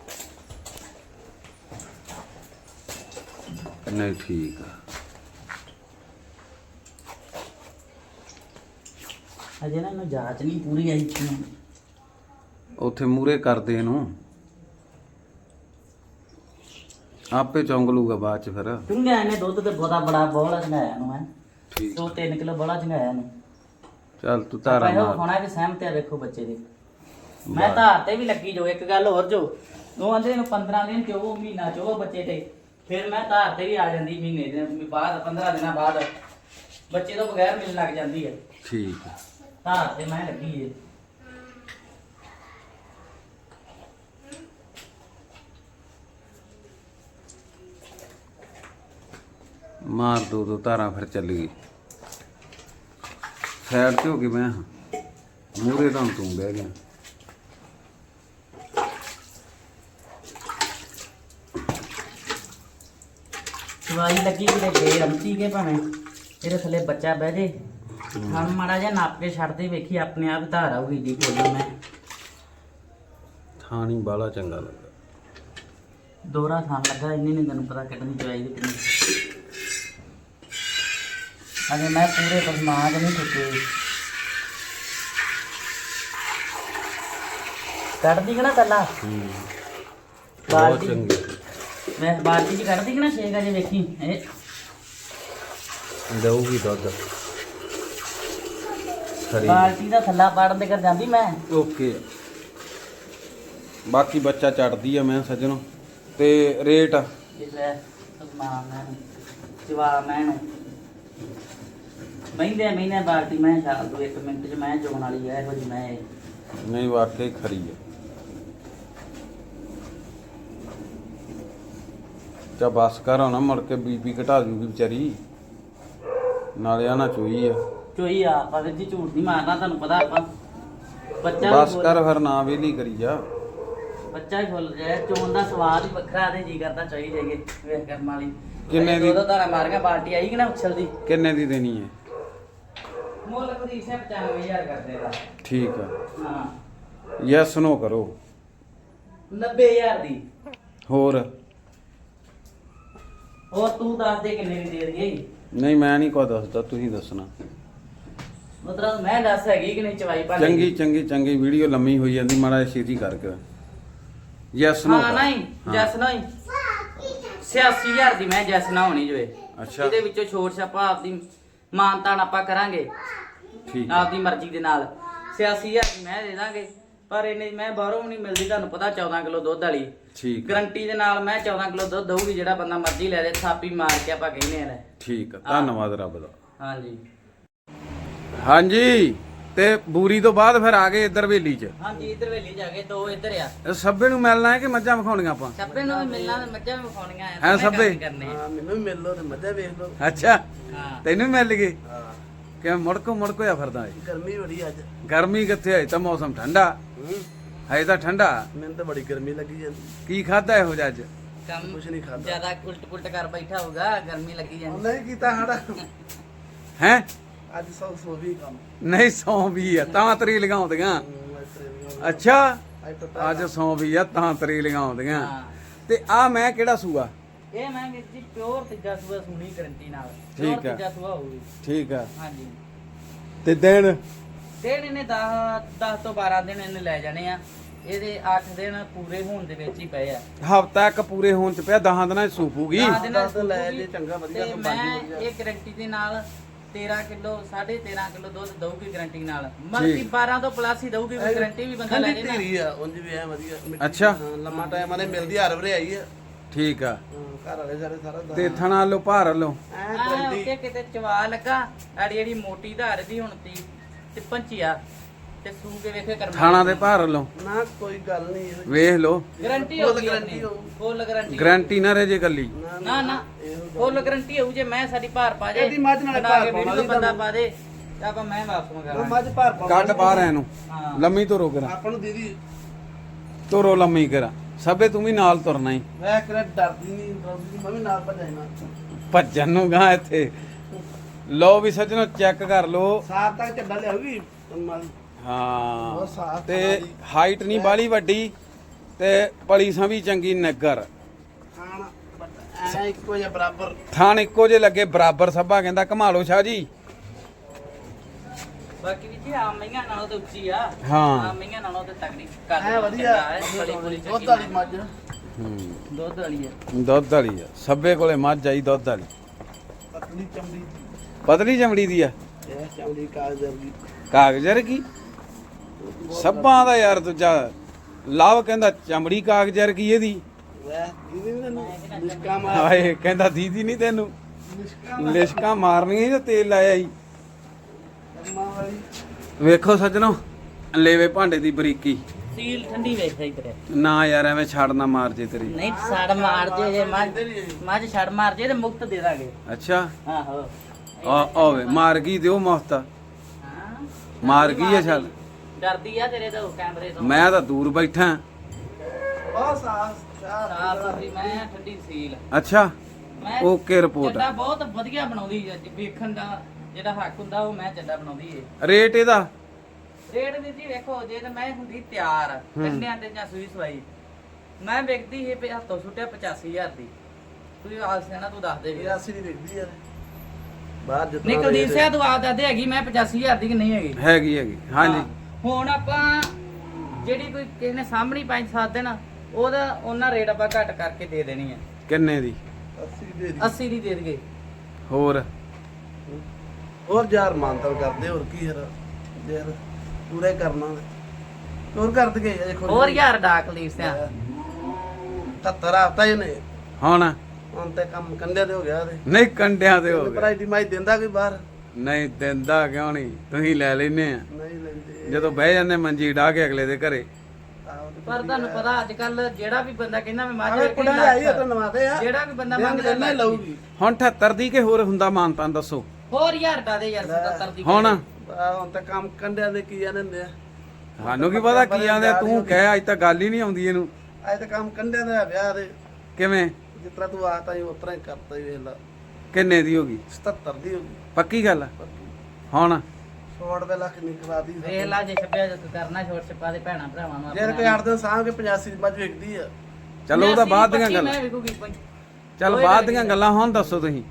[SPEAKER 1] ਨਹੀਂ ਠੀਕ ਆ।
[SPEAKER 2] ਅਜੇ ਨਾ ਇਹਨੂੰ ਜਾਂਚ ਨਹੀਂ ਪੂਰੀ ਆਈ ਕਿ
[SPEAKER 1] ਉੱਥੇ ਮੂਰੇ ਕਰਦੇ ਇਹਨੂੰ ਆਪੇ ਚੌਂਕ ਲੂਗਾ ਬਾਅਦ ਚ ਫਿਰ।
[SPEAKER 2] ਚੁੰਗਿਆ ਇਹਨੇ ਦੁੱਧ ਤੇ ਬਹੁਤਾ ਬੜਾ ਬੋਲਾ ਚੰਗਾਇਆ ਨੂੰ ਮੈਂ
[SPEAKER 1] ਠੀਕ
[SPEAKER 2] ਦੋ ਤਿੰਨ ਕਿਲੋ ਬੋਲਾ ਚੰਗਾਇਆ ਇਹਨੂੰ
[SPEAKER 1] ਚੱਲ ਤੂੰ ਧਾਰਾ
[SPEAKER 2] ਪਹਿਲਾਂ
[SPEAKER 1] ਮਾਰ।
[SPEAKER 2] ਹੋਣਾ ਵੀ ਸਹਿਮਤ ਆ ਵੇਖੋ ਬੱਚੇ ਦੇ ਮੈਂ ਧਾਰ ਤੇ ਵੀ ਲੱਗੀ ਜੋ ਇੱਕ ਗੱਲ ਹੋਰ ਜੋ ਉਹ ਆਂਦੇ ਨੂੰ ਪੰਦਰਾਂ ਦਿਨ ਚੋਵੋ ਮਹੀਨਾ ਚੋਵੋ ਬੱਚੇ ਤੇ ਫਿਰ ਮੈਂ ਧਾਰ ਤੇ ਵੀ ਆ ਜਾਂਦੀ ਮਹੀਨੇ ਦੇ ਬਾਅਦ ਪੰਦਰਾਂ ਦਿਨਾਂ ਬਾਅਦ ਬੱਚੇ ਤੋਂ ਬਗੈਰ ਮਿਲਣ ਲੱਗ ਜਾਂਦੀ ਹੈ
[SPEAKER 1] ਠੀਕ ਆ
[SPEAKER 2] ਧਾਰ ਤੇ ਮੈਂ ਲੱਗੀ ਏ
[SPEAKER 1] ਮਾਰ ਦੋ ਦੋ ਧਾਰਾਂ ਫਿਰ ਚੱਲ ਗਈ ਸਾਈਡ ਤੇ ਹੋ ਗਈ ਮੈਂ ਮੂਰੇ ਤਾਂ ਤੂੰ ਬਹਿ ਗਿਆ।
[SPEAKER 2] ਦਵਾਈ ਲੱਗੀ ਕਿਤੇ ਗੇ ਰਮਤੀ ਕੇ ਭਾਵੇਂ ਇਹਦੇ ਥੱਲੇ ਬੱਚਾ ਬਹਿ ਜੇ ਹਾਂ ਮਾੜਾ ਜਿਹਾ ਨਾਪ ਕੇ ਛੱਡਦੇ ਵੇਖੀ ਆਪਣੇ ਆਪ ਧਾਰ ਆਊਗੀ ਜੀ ਬੋਲੀ ਮੈਂ
[SPEAKER 1] ਥਾਣੀ ਬਾਲਾ ਚੰਗਾ ਲੱਗਾ।
[SPEAKER 2] ਦੋਰਾ ਥਾਂ ਲੱਗਾ ਇੰਨੀ ਨਹੀਂ ਤੈਨੂੰ ਪਤਾ ਕਿੰਨੀ ਚਵਾਈ ਦੀ ਕਿੰਨੀ ਅਜੇ ਮੈਂ ਪੂਰੇ ਬਸਮਾਜ ਨਹੀਂ ਚੁੱਕੇ ਕੱਢਦੀ ਕਿ ਨਾ ਕੱਲਾ
[SPEAKER 1] ਹੂੰ ਬਹੁਤ
[SPEAKER 2] ਬਾਲਟੀ
[SPEAKER 1] ਚੰਗੀ
[SPEAKER 2] ਮੈਂ ਬਾਲਟੀ ਚ ਕੱਢਦੀ ਕਿ ਨਾ ਛੇ ਗਾਜੇ ਵੇਖੀ ਇਹ
[SPEAKER 1] ਦਊਗੀ ਦੁੱਧ ਖਰੀ
[SPEAKER 2] ਬਾਲਟੀ ਦਾ ਥੱਲਾ ਪਾੜਨ ਦੇ ਕਰ ਜਾਂਦੀ ਮੈਂ
[SPEAKER 1] ਓਕੇ ਬਾਕੀ ਬੱਚਾ ਚੜਦੀ ਆ ਮੈਂ ਸੱਜਣੋ ਤੇ ਰੇਟ
[SPEAKER 2] ਇਸ ਲੈ ਸਮਾਨ ਮੈਂ ਜਵਾ ਮੈਂ ਨੂੰ ਮਹੀਨੇ ਮਹੀਨੇ ਬਾਲਟੀ ਮੈਂ ਛਾਲ ਦੋ ਇੱਕ ਮਿੰਟ ਚ ਮੈਂ ਚੋਣ ਵਾਲੀ ਐ ਇਹੋ ਜੀ ਮੈਂ
[SPEAKER 1] ਨਹੀਂ ਵਾਕਈ ਖਰੀ ਆ। ਚਾ ਬਸ ਕਰ ਹੁਣ ਮੁੜ ਕੇ ਬੀਪੀ ਘਟਾ ਜੂਗੀ ਵਿਚਾਰੀ ਨਾਲੇ ਆ ਨਾ ਚੋਈ ਆ।
[SPEAKER 2] ਚੋਈ ਆ ਪਰ ਜੀ ਝੂਠ ਨਹੀਂ ਮਾਰਨਾ ਤੁਹਾਨੂੰ ਪਤਾ ਆਪਾਂ ਬੱਚਾ ਵੀ
[SPEAKER 1] ਬਸ
[SPEAKER 2] ਬੋਲ-
[SPEAKER 1] ਕਰ ਫਿਰ ਨਾ ਵੇਲੀ ਕਰੀ ਜਾ।
[SPEAKER 2] ਬੱਚਾ ਹੀ ਫੁੱਲ ਜਾਏ ਚੋਣ ਦਾ ਸਵਾਦ ਹੀ ਵੱਖਰਾ ਤੇ ਜੀ ਕਰਦਾ ਚਾਹੀ ਜਾਈਏ ਵੇਖ ਕਰਨ ਵਾਲੀ
[SPEAKER 1] ਕਿੰਨੇ ਦੀ?
[SPEAKER 2] ਦੋ ਦੋ ਧਾਰਾਂ ਮਾਰੀਆਂ ਬਾਲਟੀ ਆਈ ਕਿ ਨਾ ਉਛਲ ਦੀ
[SPEAKER 1] ਕਿੰਨੇ ਦੀ ਦੇਣੀ ਹੈ?
[SPEAKER 2] ਮੁੱਲ ਕਦੀ ਸੇ ਪਚਾਨਵੇਂ ਹਜ਼ਾਰ ਕਰਦੇ ਦਾ
[SPEAKER 1] ਠੀਕ ਆ
[SPEAKER 2] ਹਾਂ
[SPEAKER 1] ਯੈਸ ਨੋ ਕਰੋ।
[SPEAKER 2] ਨੱਬੇ ਹਜ਼ਾਰ ਦੀ
[SPEAKER 1] ਹੋਰ
[SPEAKER 2] ਹੋਰ ਤੂੰ ਦੱਸ ਦੇ ਕਿੰਨੇ ਦੀ ਦੇ ਦਈਏ
[SPEAKER 1] ਨਹੀਂ ਮੈਂ ਨਹੀਂ ਕੋਈ ਦੱਸਦਾ ਤੁਸੀਂ ਦੱਸਣਾ।
[SPEAKER 2] ਮਤਲਬ ਮੈਂ ਦੱਸ ਹੈਗੀ ਕਿ ਨਹੀਂ ਚਵਾਈ ਪਾ
[SPEAKER 1] ਚੰਗੀ ਚੰਗੀ ਚੰਗੀ ਵੀਡੀਓ ਲੰਮੀ ਹੋਈ ਜਾਂਦੀ ਮਾੜਾ ਜਿਹਾ ਛੇਤੀ ਕਰਕੇ ਯੈਸ ਨੋ
[SPEAKER 2] ਹਾਂ ਨਹੀਂ ਜੈਸ ਨਹੀਂ ਛਿਆਸੀ ਹਜ਼ਾਰ ਦੀ ਮੈਂ ਜੈਸ ਨਾ ਹੋਣੀ ਜੋਏ
[SPEAKER 1] ਅੱਛਾ।
[SPEAKER 2] ਇਹਦੇ ਵਿੱਚੋਂ ਛੋਟ ਛਾਪਾ ਆਪਦੀ ਮਾਨਤਾਨ ਆਪਾਂ ਕਰਾਂਗੇ
[SPEAKER 1] ਠੀਕ ਆ।
[SPEAKER 2] ਆਪਦੀ ਮਰਜ਼ੀ ਦੇ ਨਾਲ ਛਿਆਸੀ ਹਜ਼ਾਰ ਦੀ ਮੈਂ ਦੇ ਦਾਂਗੇ ਪਰ ਇਹਨੇ ਮੈਂ ਬਾਹਰੋਂ ਵੀ ਨਹੀਂ ਮਿਲਦੀ ਤੁਹਾਨੂੰ ਪਤਾ ਚੌਦਾਂ ਕਿਲੋ ਦੁੱਧ ਵਾਲੀ
[SPEAKER 1] ਠੀਕ ਆ,
[SPEAKER 2] ਗਰੰਟੀ ਦੇ ਨਾਲ ਮੈਂ ਚੌਦਾਂ ਕਿਲੋ ਦੁੱਧ ਦਊਗੀ ਜਿਹੜਾ ਬੰਦਾ ਮਰਜ਼ੀ ਲੈ ਦੇ ਥਾਪੀ ਮਾਰ ਕੇ ਆਪਾਂ ਕਹਿੰਦੇ ਆ
[SPEAKER 1] ਠੀਕ ਆ ਧੰਨਵਾਦ ਰੱਬ ਦਾ।
[SPEAKER 2] ਹਾਂਜੀ
[SPEAKER 1] ਹਾਂਜੀ ਤੇ ਬੂਰੀ ਤੋਂ ਬਾਅਦ ਫਿਰ ਆ ਗਏ ਇੱਧਰ ਹਵੇਲੀ 'ਚ।
[SPEAKER 2] ਹਾਂਜੀ ਇੱਧਰ ਵੇਲੀ ਜਾ ਕੇ ਦੋ ਇੱਧਰ ਆ
[SPEAKER 1] ਇਹ ਸੱਭੇ ਨੂੰ ਮਿਲਣਾ ਹੈ ਕਿ ਮੱਝਾਂ ਵਿਖਾਉਣੀਆਂ ਆਪਾਂ?
[SPEAKER 2] ਸੱਬੇ ਨੂੰ ਵੀ ਮਿਲਣਾ ਤੇ ਮੱਝਾਂ ਵੀ ਵਿਖਾਉਣੀਆਂ ਆ
[SPEAKER 1] ਹੈਂ ਸੱਬੇ?
[SPEAKER 2] ਕਰਨੇ ਆ।
[SPEAKER 3] ਮੈਨੂੰ ਵੀ ਮਿਲ ਲੋ ਤੇ ਮੱਝਾਂ ਵੇਖ ਲੋ।
[SPEAKER 1] ਅੱਛਾ
[SPEAKER 2] ਹਾਂ
[SPEAKER 1] ਤੈਨੂੰ ਵੀ ਮਿਲ ਗਏ
[SPEAKER 3] ਹਾਂ
[SPEAKER 1] ਕਿ ਮੁੜਕੋ ਮੁੜਕੋ ਆ ਫਿਰਦਾ ਏ?
[SPEAKER 3] ਗਰਮੀ ਬੜੀ ਅੱਜ।
[SPEAKER 1] ਗਰਮੀ ਕਿੱਥੇ ਹੈ ਤਾਂ ਮੌਸਮ ਠੰਡਾ
[SPEAKER 3] ਹੂੰ
[SPEAKER 1] ਹੈ ਤਾਂ ਠੰਡਾ।
[SPEAKER 3] ਮੈਨੂੰ ਤਾਂ ਬੜੀ ਗਰਮੀ ਲੱਗੀ ਜਾਂਦੀ।
[SPEAKER 1] ਕੀ ਖਾਦਾ ਇਹੋ ਜਿਹਾ ਅੱਜ?
[SPEAKER 2] ਕੰਮ
[SPEAKER 3] ਕੁਛ ਨਹੀਂ ਖਾਧਾ।
[SPEAKER 2] ਜਿਆਦਾ ਉਲਟ ਪੁਲਟ ਕਰ ਬੈਠਾ ਹੋਊਗਾ ਗਰਮੀ ਲੱਗੀ ਜਾਂਦੀ
[SPEAKER 3] ਉਹਨੇ ਕੀ ਕੀਤਾ ਸਾਡਾ
[SPEAKER 1] ਹੈ
[SPEAKER 3] ਅੱਜ ਸੌ ਸੌ ਵੀ ਕੰਮ।
[SPEAKER 1] ਨਹੀਂ ਸੌਂ ਵੀ ਆ ਤਾਂ ਤਰੀ ਲਗਾਉਂਦੀਆਂ।
[SPEAKER 3] ਹੂੰ, ਅੱਜ ਤੇਰੇ
[SPEAKER 1] ਅੱਛਾ
[SPEAKER 3] ਅੱਜ ਤਾਂ
[SPEAKER 1] ਅੱਜ ਸੌਂ ਵੀ ਆ ਤਾਂ ਤਰੀ ਲਗਾਉਂਦੀਆਂ।
[SPEAKER 2] ਹਾਂ
[SPEAKER 1] ਤੇ ਆ ਮੈਂ ਕਿਹੜਾ ਸੂਆ?
[SPEAKER 2] ਇਹ ਮੈਂ ਵੀਰ ਜੀ ਪਿਓਰ ਤੀਜਾ ਸੂਆ ਸੁਣੀ ਗਰੰਟੀ ਨਾਲ
[SPEAKER 1] ਠੀਕ
[SPEAKER 2] Pure
[SPEAKER 1] ਆ।
[SPEAKER 2] ਤੀਜਾ ਸੂਆ ਹੋਊਗੀ
[SPEAKER 1] ਠੀਕ ਆ
[SPEAKER 2] ਹਾਂਜੀ
[SPEAKER 1] ਤੇ ਦਿਨ
[SPEAKER 2] ਦਿਨ ਇਹਨੇ ਦਸ ਦਸ ਤੋਂ ਬਾਰਾਂ ਦਿਨ ਇਹਨੇ ਲੈ ਜਾਣੇ ਆ ਇਹਦੇ ਅੱਠ ਦਿਨ ਪੂਰੇ ਹੋਣ ਦੇ ਵਿੱਚ ਹੀ ਪਏ ਆ
[SPEAKER 1] ਹਫਤਾ ਇੱਕ ਪੂਰੇ ਹੋਣ ਚ ਪਿਆ ਦਹਾਂ ਦਿਨਾਂ ਚ ਸੂਪੂਗੀ।
[SPEAKER 2] ਦਸ ਦਿਨਾਂ
[SPEAKER 3] ਦਸ ਲੈ
[SPEAKER 2] ਸੂਪੂਗੀ
[SPEAKER 3] ਜੇ ਚੰਗਾ ਵਧੀਆ
[SPEAKER 2] ਤੇ
[SPEAKER 3] ਤੋਂ
[SPEAKER 2] ਮੈਂ
[SPEAKER 3] ਬਾਕੀ ਵਧੀਆ।
[SPEAKER 2] ਇਹ ਗਰੰਟੀ ਦੇ ਨਾਲ ਤੇਰਾਂ ਕਿਲੋ ਸਾਢੇ ਤੇਰਾਂ ਕਿਲੋ ਦੁੱਧ ਦਊਗੀ ਗਰੰਟੀ ਨਾਲ ਮਤਲਬ ਕਿ ਬਾਰਾਂ ਤੋਂ ਪਲੱਸ ਹੀ ਦਊਗੀ ਗਰੰਟੀ ਵੀ ਬੰਦਾ ਲੈ ਜੇ ਨਾ
[SPEAKER 3] ਠੰਡੀ ਧੀਰੀ ਆ ਉਂਝ ਵੀ ਐ ਵਧੀਆ ਮਿੱਠੀ।
[SPEAKER 1] ਅੱਛਾ।
[SPEAKER 3] ਹਾਂ, ਲੰਮਾ ਟਾਈਮ ਆਲੇ ਮਿਲਦੀ ਹਰ ਵਰੇ ਆਈ ਆ।
[SPEAKER 1] ਠੀਕ ਆ
[SPEAKER 3] ਹਾਂ, ਘਰ ਵਾਲੇ ਸਾਰੇ ਸਾਰਾ ਦੱਸ
[SPEAKER 1] ਤੇ ਥਣਾ ਲੋ ਭਾਰ ਲੋ
[SPEAKER 3] ਐ
[SPEAKER 2] ਆ
[SPEAKER 3] ਗਰੰਟੀ
[SPEAKER 2] ਉੱਤੇ ਕਿਤੇ ਚਵਾ ਲੱਗਾ ਆੜੀ ਜਿਹੜੀ ਮੋਟੀ ਧਾਰ ਦੀ ਹੁਣ ਤੀ ਤੇ ਪੰਚੀਆ ਤੇ ਸੂ ਕੇ ਵੇਖੇ ਕਰਮ
[SPEAKER 1] ਥਾਣਾ ਦੇ ਭਾਰ ਲੋ
[SPEAKER 3] ਨਾ ਕੋਈ ਗੱਲ ਨਹੀਂ ਇਹੋ ਜਿਹੀ।
[SPEAKER 1] ਵੇਖ ਲੋ
[SPEAKER 2] ਗਾਰੰਟੀ
[SPEAKER 3] ਫੁੱਲ
[SPEAKER 2] ਹੋਊਗੀ
[SPEAKER 3] guarantee
[SPEAKER 2] ਆਪਣੀ
[SPEAKER 3] ਹੋਊ।
[SPEAKER 2] ਫੁੱਲ ਗਾਰੰਟੀ
[SPEAKER 1] ਗਰੰਟੀ ਨਾ ਰਹੇ ਜੇ ਕੱਲੀ
[SPEAKER 2] ਨਾ ਨਾ
[SPEAKER 3] ਇਹੋ ਜਿਹੀ।
[SPEAKER 2] ਫੁੱਲ ਗਾਰੰਟੀ ਹੋਊ ਜੇ ਮੈਂ ਸਾਡੀ ਭਾਰ ਪਾ ਜੇ
[SPEAKER 3] ਇਹਦੀ ਮੱਝ ਨਾਲੇ
[SPEAKER 2] ਬਣਾ
[SPEAKER 3] ਭਾਰ
[SPEAKER 2] ਕੇ
[SPEAKER 3] ਪਾਉਣਾ
[SPEAKER 2] ਵੀਡੀਓ
[SPEAKER 3] ਵੀ
[SPEAKER 2] ਬੰਦਾ
[SPEAKER 3] ਤੁਹਾਨੂੰ।
[SPEAKER 2] ਪਾ ਦੇ ਤਾਂ ਆਪਾਂ ਮੈਂ ਵਾਪਸ
[SPEAKER 3] ਉਹ
[SPEAKER 2] ਮੰਗਾਵਾਂਗਾ
[SPEAKER 3] ਮੱਝ ਭਾਰ ਪਾਉਣਾ
[SPEAKER 1] ਕੱਢ ਬਾਹਰ ਐਨੂੰ
[SPEAKER 2] ਹਾਂ
[SPEAKER 1] ਲੰਮੀ ਤੁਰੋ ਕਰਾ
[SPEAKER 3] ਆਪਾਂ ਨੂੰ ਦੀਦੀ
[SPEAKER 1] ਤੁਰੋ ਲੰਮੀ ਕਰਾ ਸਭੇ ਤੂੰ ਵੀ ਨਾਲ ਤੁਰਨਾ ਹੀ
[SPEAKER 3] ਮੈਂ ਕਿਹੜਾ ਡਰਦੀ ਨਹੀਂ ਡਰਦੀ ਨੀ, ਮੈਂ ਵੀ ਨਾਲ ਭਜਾਈ ਨਾ
[SPEAKER 1] ਭੱਜਣ ਨੂੰ ਗਾ ਇੱਥੇ ਲੋ ਵੀ ਸੱਜਣੋ ਚੈੱਕ ਕਰ ਲੋ
[SPEAKER 3] ਸਾਤ ਤੱਕ ਚੱਡਾ ਲਿਆਉਗੀ ਮੱਝ
[SPEAKER 1] ਹਾਂ
[SPEAKER 3] ਬਹੁਤ ਸਾਫ਼
[SPEAKER 1] ਤੇ
[SPEAKER 3] ਥਾਣਾ ਦੀ।
[SPEAKER 1] ਹਾਈਟ ਨਹੀਂ ਬਾਲੀ ਵੱਡੀ ਤੇ ਪਲੀਸਾਂ ਵੀ ਚੰਗੀ ਨਗਰ
[SPEAKER 3] ਖਾਣ ਬਟ ਐ ਇੱਕੋ ਜਿਹਾ ਬਰਾਬਰ
[SPEAKER 1] ਥਾਣ ਇੱਕੋ ਜੇ ਲੱਗੇ ਬਰਾਬਰ ਸਭਾ ਕਹਿੰਦਾ ਘਮਾ ਲੋ ਸ਼ਾਹ ਜੀ
[SPEAKER 2] ਬਾਕੀ ਵੀ ਜੀ ਆਮ ਮਈਆਂ ਨਾਲੋਂ ਤੇ ਉੱਚੀ ਆ
[SPEAKER 1] ਹਾਂ।
[SPEAKER 2] ਆਮ ਮਈਆਂ ਨਾਲੋਂ ਤੇ ਤਗੜੀ ਕਰ
[SPEAKER 3] ਐ ਵਧੀਆ
[SPEAKER 2] ਬੜੀ ਬੜੀ
[SPEAKER 3] ਦੁੱਧ ਵਾਲੀ ਮੱਝ
[SPEAKER 1] ਹੂੰ
[SPEAKER 2] ਦੁੱਧ ਵਾਲੀ ਆ
[SPEAKER 1] ਦੁੱਧ ਵਾਲੀ ਆ ਸਭੇ ਕੋਲੇ ਮੱਝ ਆਈ ਦੁੱਧ ਵਾਲੀ
[SPEAKER 3] ਪਤਲੀ ਚਮੜੀ
[SPEAKER 1] ਪਤਲੀ ਚਮੜੀ ਦੀ ਆ
[SPEAKER 3] ਇਹ ਚਮੜੀ ਕਾਗਜ਼ਰ ਦੀ
[SPEAKER 1] ਕਾਗਜ਼ਰ ਕੀ ਸਭਾਂ ਦਾ ਯਾਰ ਦੂਜਾ ਲਵ ਕਹਿੰਦਾ ਚਮੜੀ ਕਾਗਜ਼ਰ ਕੀ ਇਹਦੀ
[SPEAKER 3] ਵੈ ਦੀਦੀ ਨੇ ਨਿਸ਼ਕਾ ਮਾਰ
[SPEAKER 1] ਹਾਏ ਕਹਿੰਦਾ ਦੀਦੀ ਨਹੀਂ ਤੈਨੂੰ
[SPEAKER 3] ਨਿਸ਼ਕਾ
[SPEAKER 1] ਲਿਸ਼ਕਾਂ ਮਾਰਨੀਆਂ ਤੇ ਤੇਲ ਲਾਇਆ ਈ
[SPEAKER 3] ਮਾਰ ਵਾਲੀ
[SPEAKER 1] ਵੇਖੋ ਸੱਜਣੋ ਲੇਵੇ ਭਾਂਡੇ ਦੀ ਬਰੀਕੀ
[SPEAKER 2] ਸੀਲ ਠੰਡੀ ਵੇਖ ਇਧਰ
[SPEAKER 1] ਨਾ ਯਾਰ ਐਵੇਂ ਛੱਡ ਨਾ ਮਾਰ ਜੇ ਤੇਰੀ
[SPEAKER 2] ਨਹੀਂ ਛੜ ਮਾਰ ਜੇ ਜੇ ਮੱਝ ਮੱਝ ਛੜ ਮਾਰ ਜੇ ਤੇ ਮੁਕਤ ਦੇ ਦਾਂਗੇ
[SPEAKER 1] ਅੱਛਾ
[SPEAKER 2] ਆਹੋ
[SPEAKER 1] ਆ ਆਵੇ ਮਾਰ ਗਈ ਦਿਓ ਮੁਫਤ
[SPEAKER 2] ਹਾਂ
[SPEAKER 1] ਮਾਰ ਗਈ ਐ ਛੱਡ
[SPEAKER 2] ਡਰਦੀ ਆ ਤੇਰੇ ਤੋਂ ਕੈਮਰੇ ਤੋਂ
[SPEAKER 1] ਮੈਂ ਤਾਂ ਦੂਰ ਬੈਠਾ
[SPEAKER 3] ਬਹੁਤ ਸਾਫ ਚਾਹ
[SPEAKER 2] ਸਾਫ ਸੀ ਮੈਂ ਠੰਡੀ ਸੀਲ
[SPEAKER 1] ਅੱਛਾ
[SPEAKER 2] ਮੈਂ
[SPEAKER 1] ਓਕੇ ਰਿਪੋਰਟ
[SPEAKER 2] ਚੱਡਾ ਬਹੁਤ ਵਧੀਆ ਬਣਾਉਂਦੀ ਹੈ ਵੇਖਣ ਦਾ ਜਿਹੜਾ ਹੱਕ ਹੁੰਦਾ ਉਹ ਮੈਂ ਚੱਡਾ ਬਣਾਉਂਦੀ ਏ
[SPEAKER 1] ਰੇਟ ਇਹਦਾ
[SPEAKER 2] ਰੇਟ ਵੀ ਜੀ ਵੇਖੋ ਜੇ ਤਾਂ ਮੈਂ ਹੁੰਦੀ ਤਿਆਰ ਕੰਡਿਆਂ ਤੇ ਜਾਂ ਸੂਈ ਸਵਾਈ ਮੈਂ ਵਿਕਦੀ ਇਹ ਹੱਥੋਂ ਸੁੱਟਿਆ ਪਚਾਸੀ ਹਜ਼ਾਰ ਦੀ ਤੂੰ ਆਸ ਨਾ ਤੂੰ ਦੱਸ ਦੇ ਵੀ
[SPEAKER 3] ਇਹ ਅਸੀਂ ਨਹੀਂ ਵੇਖਦੀ ਯਾਰ ਬਾਹਰ ਜਿੱਦਾਂ
[SPEAKER 2] ਨਹੀਂ ਕੁਲਦੀਪ ਸਿੰਘ ਤੂੰ ਆਪ ਦੱਸਦੇ ਹੈਗੀ ਮੈਂ ਪਚਾਸੀ ਹਜ਼ਾਰ ਦੀ ਕਿ ਨਹੀਂ ਹੈਗੀ
[SPEAKER 1] ਹੈਗੀ ਹੈਗੀ ਹਾਂਜੀ
[SPEAKER 2] ਹਾਂ। ਹੁਣ ਆਪਾਂ ਜਿਹੜੀ ਕੋਈ ਕਿਸੇ ਨੇ ਸਾਹਮਣੀ ਪੰਜ ਸੱਤ ਦਿਨ ਉਹਦਾ ਉਹਨਾਂ ਰੇਟ ਆਪਾਂ ਘੱਟ ਕਰਕੇ ਦੇ ਦੇਣੀ ਹੈ
[SPEAKER 1] ਕਿੰਨੇ ਦੀ
[SPEAKER 3] ਅਸੀਂ ਦੇ ਦੀ
[SPEAKER 2] ਅੱਸੀ ਦੀ ਦੇ ਦੇਗੇ
[SPEAKER 1] ਹੋਰ
[SPEAKER 3] ਹੋਰ ਯਾਰ ਮਾਨਤਲ ਕਰਦੇ ਹੋਰ ਕੀ ਯਾਰ ਯਾਰ ਪੂਰੇ ਕਰਨਾ ਹੋਰ ਕਰ ਦਗੇ ਦੇਖੋ
[SPEAKER 2] ਹੋਰ ਯਾਰ ਡਾਕ ਕੁਲਦੀਪ ਸਿੰਘ
[SPEAKER 3] ਸੱਤਰ ਹਫ਼ਤਾ ਹੀ ਨੇ
[SPEAKER 1] ਹੁਣ
[SPEAKER 3] ਹੁਣ ਤੇ ਕੰਮ ਕੰਡਿਆਂ ਤੇ ਹੋ ਗਿਆ ਤੇ
[SPEAKER 1] ਨਹੀਂ ਕੰਡਿਆਂ ਤੇ ਹੋ ਗਏ
[SPEAKER 3] ਪ੍ਰਾਈਟੀ ਮਾਈ ਦਿੰਦਾ ਕੋਈ ਬਾਹਰ
[SPEAKER 1] ਨਹੀਂ ਦਿੰਦਾ ਕਿਉਂ ਨਹੀਂ ਤੁਸੀਂ ਲੈ ਲੈਨੇ ਆ
[SPEAKER 3] ਨਹੀਂ ਲੈਂਦੇ
[SPEAKER 1] ਜਦੋਂ ਬਹਿ ਜਾਂਦੇ ਮੰਜੀ ਢਾ ਕੇ ਅਗਲੇ ਦੇ ਘਰੇ
[SPEAKER 3] ਆਹੋ ਤੇ
[SPEAKER 2] ਪਰ ਤੁਹਾਨੂੰ ਪਤਾ ਅੱਜ ਕੱਲ ਜਿਹੜਾ ਵੀ ਬੰਦਾ ਕਹਿੰਦਾ ਮੈਂ ਮੱਝ
[SPEAKER 3] ਆਹ
[SPEAKER 2] ਵੇਖਣੀ
[SPEAKER 3] ਕੁੜਾ ਆਈ ਤਾਂ ਨਵਾਦੇ ਆ
[SPEAKER 2] ਜਿਹੜਾ ਵੀ ਬੰਦਾ
[SPEAKER 3] ਦਿਨ
[SPEAKER 2] ਮੰਗਦਾ
[SPEAKER 3] ਦਿਨ ਹੀ ਲਊਗੀ
[SPEAKER 1] ਹੁਣ ਅਠੱਤਰ ਦੀ ਕਿ ਹੋਰ ਹੁੰਦਾ ਮਾਨਤਾਂ ਦੱਸੋ
[SPEAKER 2] ਹੋਰ ਯਾਰ ਡਾ ਦੇ ਯਾਰ ਸਤੱਤਰ ਦੀ
[SPEAKER 1] ਹੁਣ
[SPEAKER 3] ਆਹ ਹੁਣ ਤਾਂ ਕੰਮ ਕੰਡਿਆਂ ਦੇ ਕੀ ਜਾਂਦੇ ਹੁੰਦੇ ਆ
[SPEAKER 1] ਸਾਨੂੰ ਕੀ ਪਤਾ ਕੀ ਆਂਦੇ ਤੂੰ ਕਹਿ ਅੱਜ ਤਾਂ ਗੱਲ ਹੀ ਨਹੀਂ ਆਉਂਦੀ ਇਹਨੂੰ
[SPEAKER 3] ਅੱਜ ਤਾਂ ਕੰਮ ਕੰਡਿਆਂ ਦਾ ਵਿਆਹ ਦੇ
[SPEAKER 1] ਕਿਵੇਂ
[SPEAKER 3] ਜਿਸ ਤਰ੍ਹਾਂ ਤੂੰ ਆਖਤਾ ਹੀ ਉਸ ਤਰ੍ਹਾਂ ਹੀ ਕਰਤਾ ਹੀ ਵੇਖ ਲਾ
[SPEAKER 1] ਕਿੰਨੇ ਦੀ ਹੋਗੀ
[SPEAKER 3] ਸਤੱਤਰ ਦੀ ਹੋ ਗਈ
[SPEAKER 1] ਪੱਕੀ ਗੱਲ ਆ? ਹੁਣ
[SPEAKER 3] ਸੌ ਰੁਪਏ ਲੱਖ ਨਹੀਂ ਕਰਾਦੀ
[SPEAKER 2] ਵੇਖ ਲਾ ਜੇ ਛੱਪਿਆ ਜੇ ਕਰਨਾ ਛੋਟ ਛੱਪਾ ਦੇ ਭੈਣਾ ਭਰਾਵਾਂ ਨੂੰ
[SPEAKER 3] ਜੇ ਕੋਈ ਅੱਠ ਦਿਨ ਸਾਂਭ ਕੇ ਪਚਾਸੀ ਦੀ ਮੱਝ ਵਿਕਦੀ ਆ
[SPEAKER 1] ਚਲੋ ਉਹਦਾ ਬਾਅਦ ਦੀਆਂ ਗੱਲਾਂ
[SPEAKER 2] ਮੈਂ ਵਿਕੂਗੀ ਕੋਈ
[SPEAKER 1] ਚੱਲ ਬਾਅਦ ਦੀਆਂ ਗੱਲਾਂ ਹੁਣ ਦੱਸੋ ਤੁਸੀਂ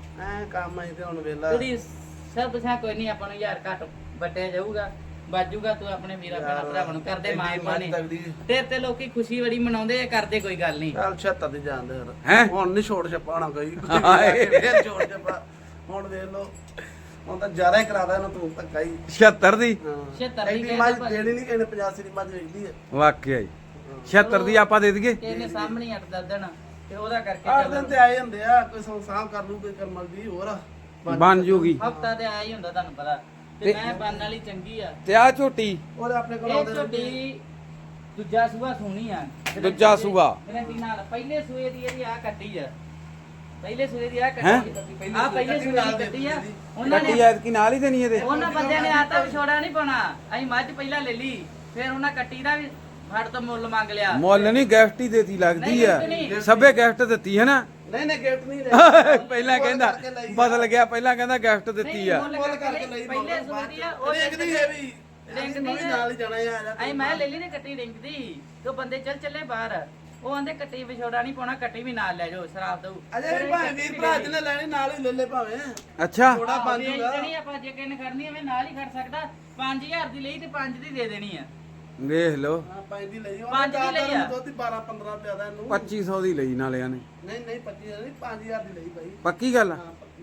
[SPEAKER 3] ਐ ਕੰਮ ਆਈ ਤੇ ਹੁਣ ਵੇਲਾ
[SPEAKER 2] ਤੇਰੀ ਸਭ ਪੁੱਛਿਆ ਕੋਈ ਨਹੀਂ ਆਪਾਂ ਨੂੰ ਯਾਰ ਘੱਟ ਵੱਟਿਆ ਜਾਊਗਾ ਬਾਜੂਗਾ ਤੂੰ ਆਪਣੇ ਵੀਰਾ ਭੈਣਾ ਭਰਾਵਾਂ ਨੂੰ ਕਰਦੇ ਮਾਂ ਪਾਣੀ ਤੇ ਤੇ ਲੋਕੀ ਖੁਸ਼ੀ ਬੜੀ ਮਨਾਉਂਦੇ ਆ ਕਰਦੇ ਕੋਈ ਗੱਲ ਨਹੀਂ
[SPEAKER 3] ਚੱਲ ਛੱਤਰ ਦੀ ਜਾਣਦੇ ਫਿਰ
[SPEAKER 1] ਹੈਂ?
[SPEAKER 3] ਹੁਣ ਨਹੀਂ ਛੋੜ ਛਪਾਉਣਾ ਕੋਈ
[SPEAKER 1] ਹਾਏ।
[SPEAKER 3] ਫੇਰ ਛੋੜ ਛਪਾ ਹੁਣ ਵੇਖ ਲੋ ਹੁਣ ਤਾਂ ਜ਼ਿਆਦਾ ਹੀ ਕਰਾਦਾ ਇਹਨੂੰ ਤੂੰ ਧੱਕਾ ਹੀ
[SPEAKER 1] ਛਿਅੱਤਰ ਦੀ
[SPEAKER 2] ਛਿਅੱਤਰ ਦੀ
[SPEAKER 3] ਦੀ
[SPEAKER 2] ਕਹਿੰਦੇ
[SPEAKER 3] ਮੱਝ
[SPEAKER 2] ਭਾਜੀ।
[SPEAKER 3] ਦੇਣੀ ਨਹੀਂ ਕਹਿੰਦੇ ਪਚਾਸੀ ਦੀ ਮੱਝ ਵੇਚਦੀ ਆ
[SPEAKER 1] ਵਾਕਿਆ ਹੀ ਛਿਅੱਤਰ ਦੀ ਆਪਾਂ ਦੇ ਦਈਏ
[SPEAKER 2] ਕਿਸੇ ਨੇ ਸਾਹਮਣੇ ਅੱਟ ਦਦਣ ਤੇ ਉਹਦਾ ਕਰਕੇ
[SPEAKER 3] ਅੱਠ ਦਿਨ ਤੇ ਆਏ ਹੁੰਦੇ ਆ ਕੋਈ ਸੌ ਸਾਂਭ ਕਰ ਲੂ ਕੋਈ ਕਰਮਲ ਦੀ ਹੋਰ
[SPEAKER 1] ਬਣ ਜੂਗੀ
[SPEAKER 2] ਹਫਤਾ ਤੇ ਆਇਆ ਹੀ ਹੁੰਦਾ ਤੁਹਾਨੂੰ ਪਤਾ ਤੇ ਮੈਂ ਬੰਨ ਵਾਲੀ ਚੰਗੀ ਆ
[SPEAKER 1] ਤੇ ਆ ਝੋਟੀ
[SPEAKER 3] ਉਹਦੇ ਆਪਣੇ ਕੋਲ
[SPEAKER 2] ਇਹ
[SPEAKER 3] ਆਉਂਦੇ ਰਹਿੰਦੇ
[SPEAKER 2] ਝੋਟੀ ਦੂਜਾ ਸੂਆ ਸੋਹਣੀ ਆ
[SPEAKER 1] ਦੂਜਾ ਸੂਆ।
[SPEAKER 2] ਗਰੰਟੀ ਨਾਲ ਪਹਿਲੇ ਸੂਏ ਦੀ ਇਹਦੀ ਆ ਕੱਟੀ ਆ ਪਹਿਲੇ ਸੂਏ ਦੀ ਆ
[SPEAKER 1] ਹੈਂ?
[SPEAKER 2] ਕੱਟੀ ਆ ਪਹਿਲੇ ਸੂਏ ਦੀ ਕੱਟੀ ਆ ਉਹਨਾਂ
[SPEAKER 1] ਕੱਟੀ
[SPEAKER 2] ਨੇ
[SPEAKER 1] ਐਤਕੀ ਨਾਲ ਹੀ ਦੇਣੀ ਇਹਦੇ
[SPEAKER 2] ਉਹਨਾਂ ਬੰਦਿਆਂ ਨੇ ਆਤਾ ਵਿਛੋੜਾ ਨਹੀਂ ਪਾਉਣਾ ਅਸੀਂ ਮੱਝ ਪਹਿਲਾਂ ਲੈ ਲਈ ਫਿਰ ਉਹਨਾਂ ਕੱਟੀ ਦਾ ਵੀ ਫੜ ਤੋਂ ਮੁੱਲ ਮੰਗ ਲਿਆ
[SPEAKER 1] ਮੁੱਲ ਨਹੀਂ ਗਿਫਟ ਹੀ ਦੇਤੀ ਲੱਗਦੀ
[SPEAKER 2] ਨਹੀਂ,
[SPEAKER 1] ਆ
[SPEAKER 2] gift ਨਹੀਂ।
[SPEAKER 1] ਸਭੇ ਗਿਫਟ ਦਿੱਤੀ ਹੈ ਨਾ
[SPEAKER 3] ਨਹੀਂ ਨਹੀਂ ਗਿਫਟ ਨਹੀਂ ਲੈ
[SPEAKER 1] ਪਹਿਲਾਂ ਕਹਿੰਦਾ ਬਦਲ ਗਿਆ ਪਹਿਲਾਂ ਕਹਿੰਦਾ ਗਿਫਟ ਦਿੱਤੀ ਆ
[SPEAKER 2] ਮੁੱਲ
[SPEAKER 3] ਮੁੱਲ ਕਰਕੇ ਲਈ
[SPEAKER 2] ਪਹਿਲੇ ਸੂਏ ਦੀ ਆ ਉਹ
[SPEAKER 3] ਦੇਖਦੀ ਹੈ ਵੀ
[SPEAKER 2] ਰਿੰਗ
[SPEAKER 3] ਮੈਂ ਵੀ ਨਾਲ ਹੀ ਜਾਣਾ ਆ ਜਾ
[SPEAKER 2] ਅਸੀਂ ਮੈਂ ਲੈ ਲਈ ਨੇ ਕੱਟੀ ਰਿੰਗ ਦੀ ਤੇ ਉਹ ਬੰਦੇ ਚੱਲ ਚੱਲੇ ਬਾਹਰ ਉਹ ਆਂਦੇ ਕੱਟੀ ਵਿਛੋੜਾ ਨਹੀਂ ਪਾਉਣਾ ਕੱਟੀ ਵੀ ਨਾਲ ਲੈ ਜਾਓ ਸ਼ਰਾਬ ਦਊ
[SPEAKER 3] ਅਜੇ ਵੀ ਭਾਵੇਂ ਵੀਰ ਭਰਾ ਜਿਹਨੇ ਲੈਣੀ ਨਾਲ ਹੀ ਲੈ ਲੈ ਭਾਵੇਂ
[SPEAKER 1] ਅੱਛਾ
[SPEAKER 3] ਥੋੜਾ ਬਣ ਜੂਗਾ
[SPEAKER 2] ਜਿਹੜੀ ਆਪਾਂ ਜੇ ਕਿਸੇ ਨੇ ਖੜਨੀ ਐਵੇਂ ਨਾਲ ਹੀ ਖੜ ਸਕਦਾ ਪੰਜ ਹਜ਼ਾਰ ਦੀ ਲਈ ਤੇ ਪੰਜ ਦੀ ਦੇ ਦੇਣੀ ਆ
[SPEAKER 1] ਵੇਖ ਲਓ
[SPEAKER 3] ਹਾਂ ਪੰਜ ਦੀ ਲਈ
[SPEAKER 2] ਪੰਜ ਦੀ ਲਈ ਆ।
[SPEAKER 3] ਦੁੱਧ ਬਾਰਾਂ ਪੰਦਰਾਂ ਪਿਆਦਾ ਇਹਨੂੰ
[SPEAKER 1] ਪੱਚੀ ਸੌ ਦੀ ਲਈ ਨਾਲਿਆਂ ਨੇ
[SPEAKER 3] ਨਹੀਂ ਨਹੀਂ ਪੱਚੀ ਹਜ਼ਾਰ ਨਹੀਂ ਪੰਜ ਹਜ਼ਾਰ ਦੀ ਲਈ ਭਾਈ
[SPEAKER 1] ਪੱਕੀ ਗੱਲ ਆ
[SPEAKER 3] ਹਾਂ ਪੱਕੀ ਗੱਲ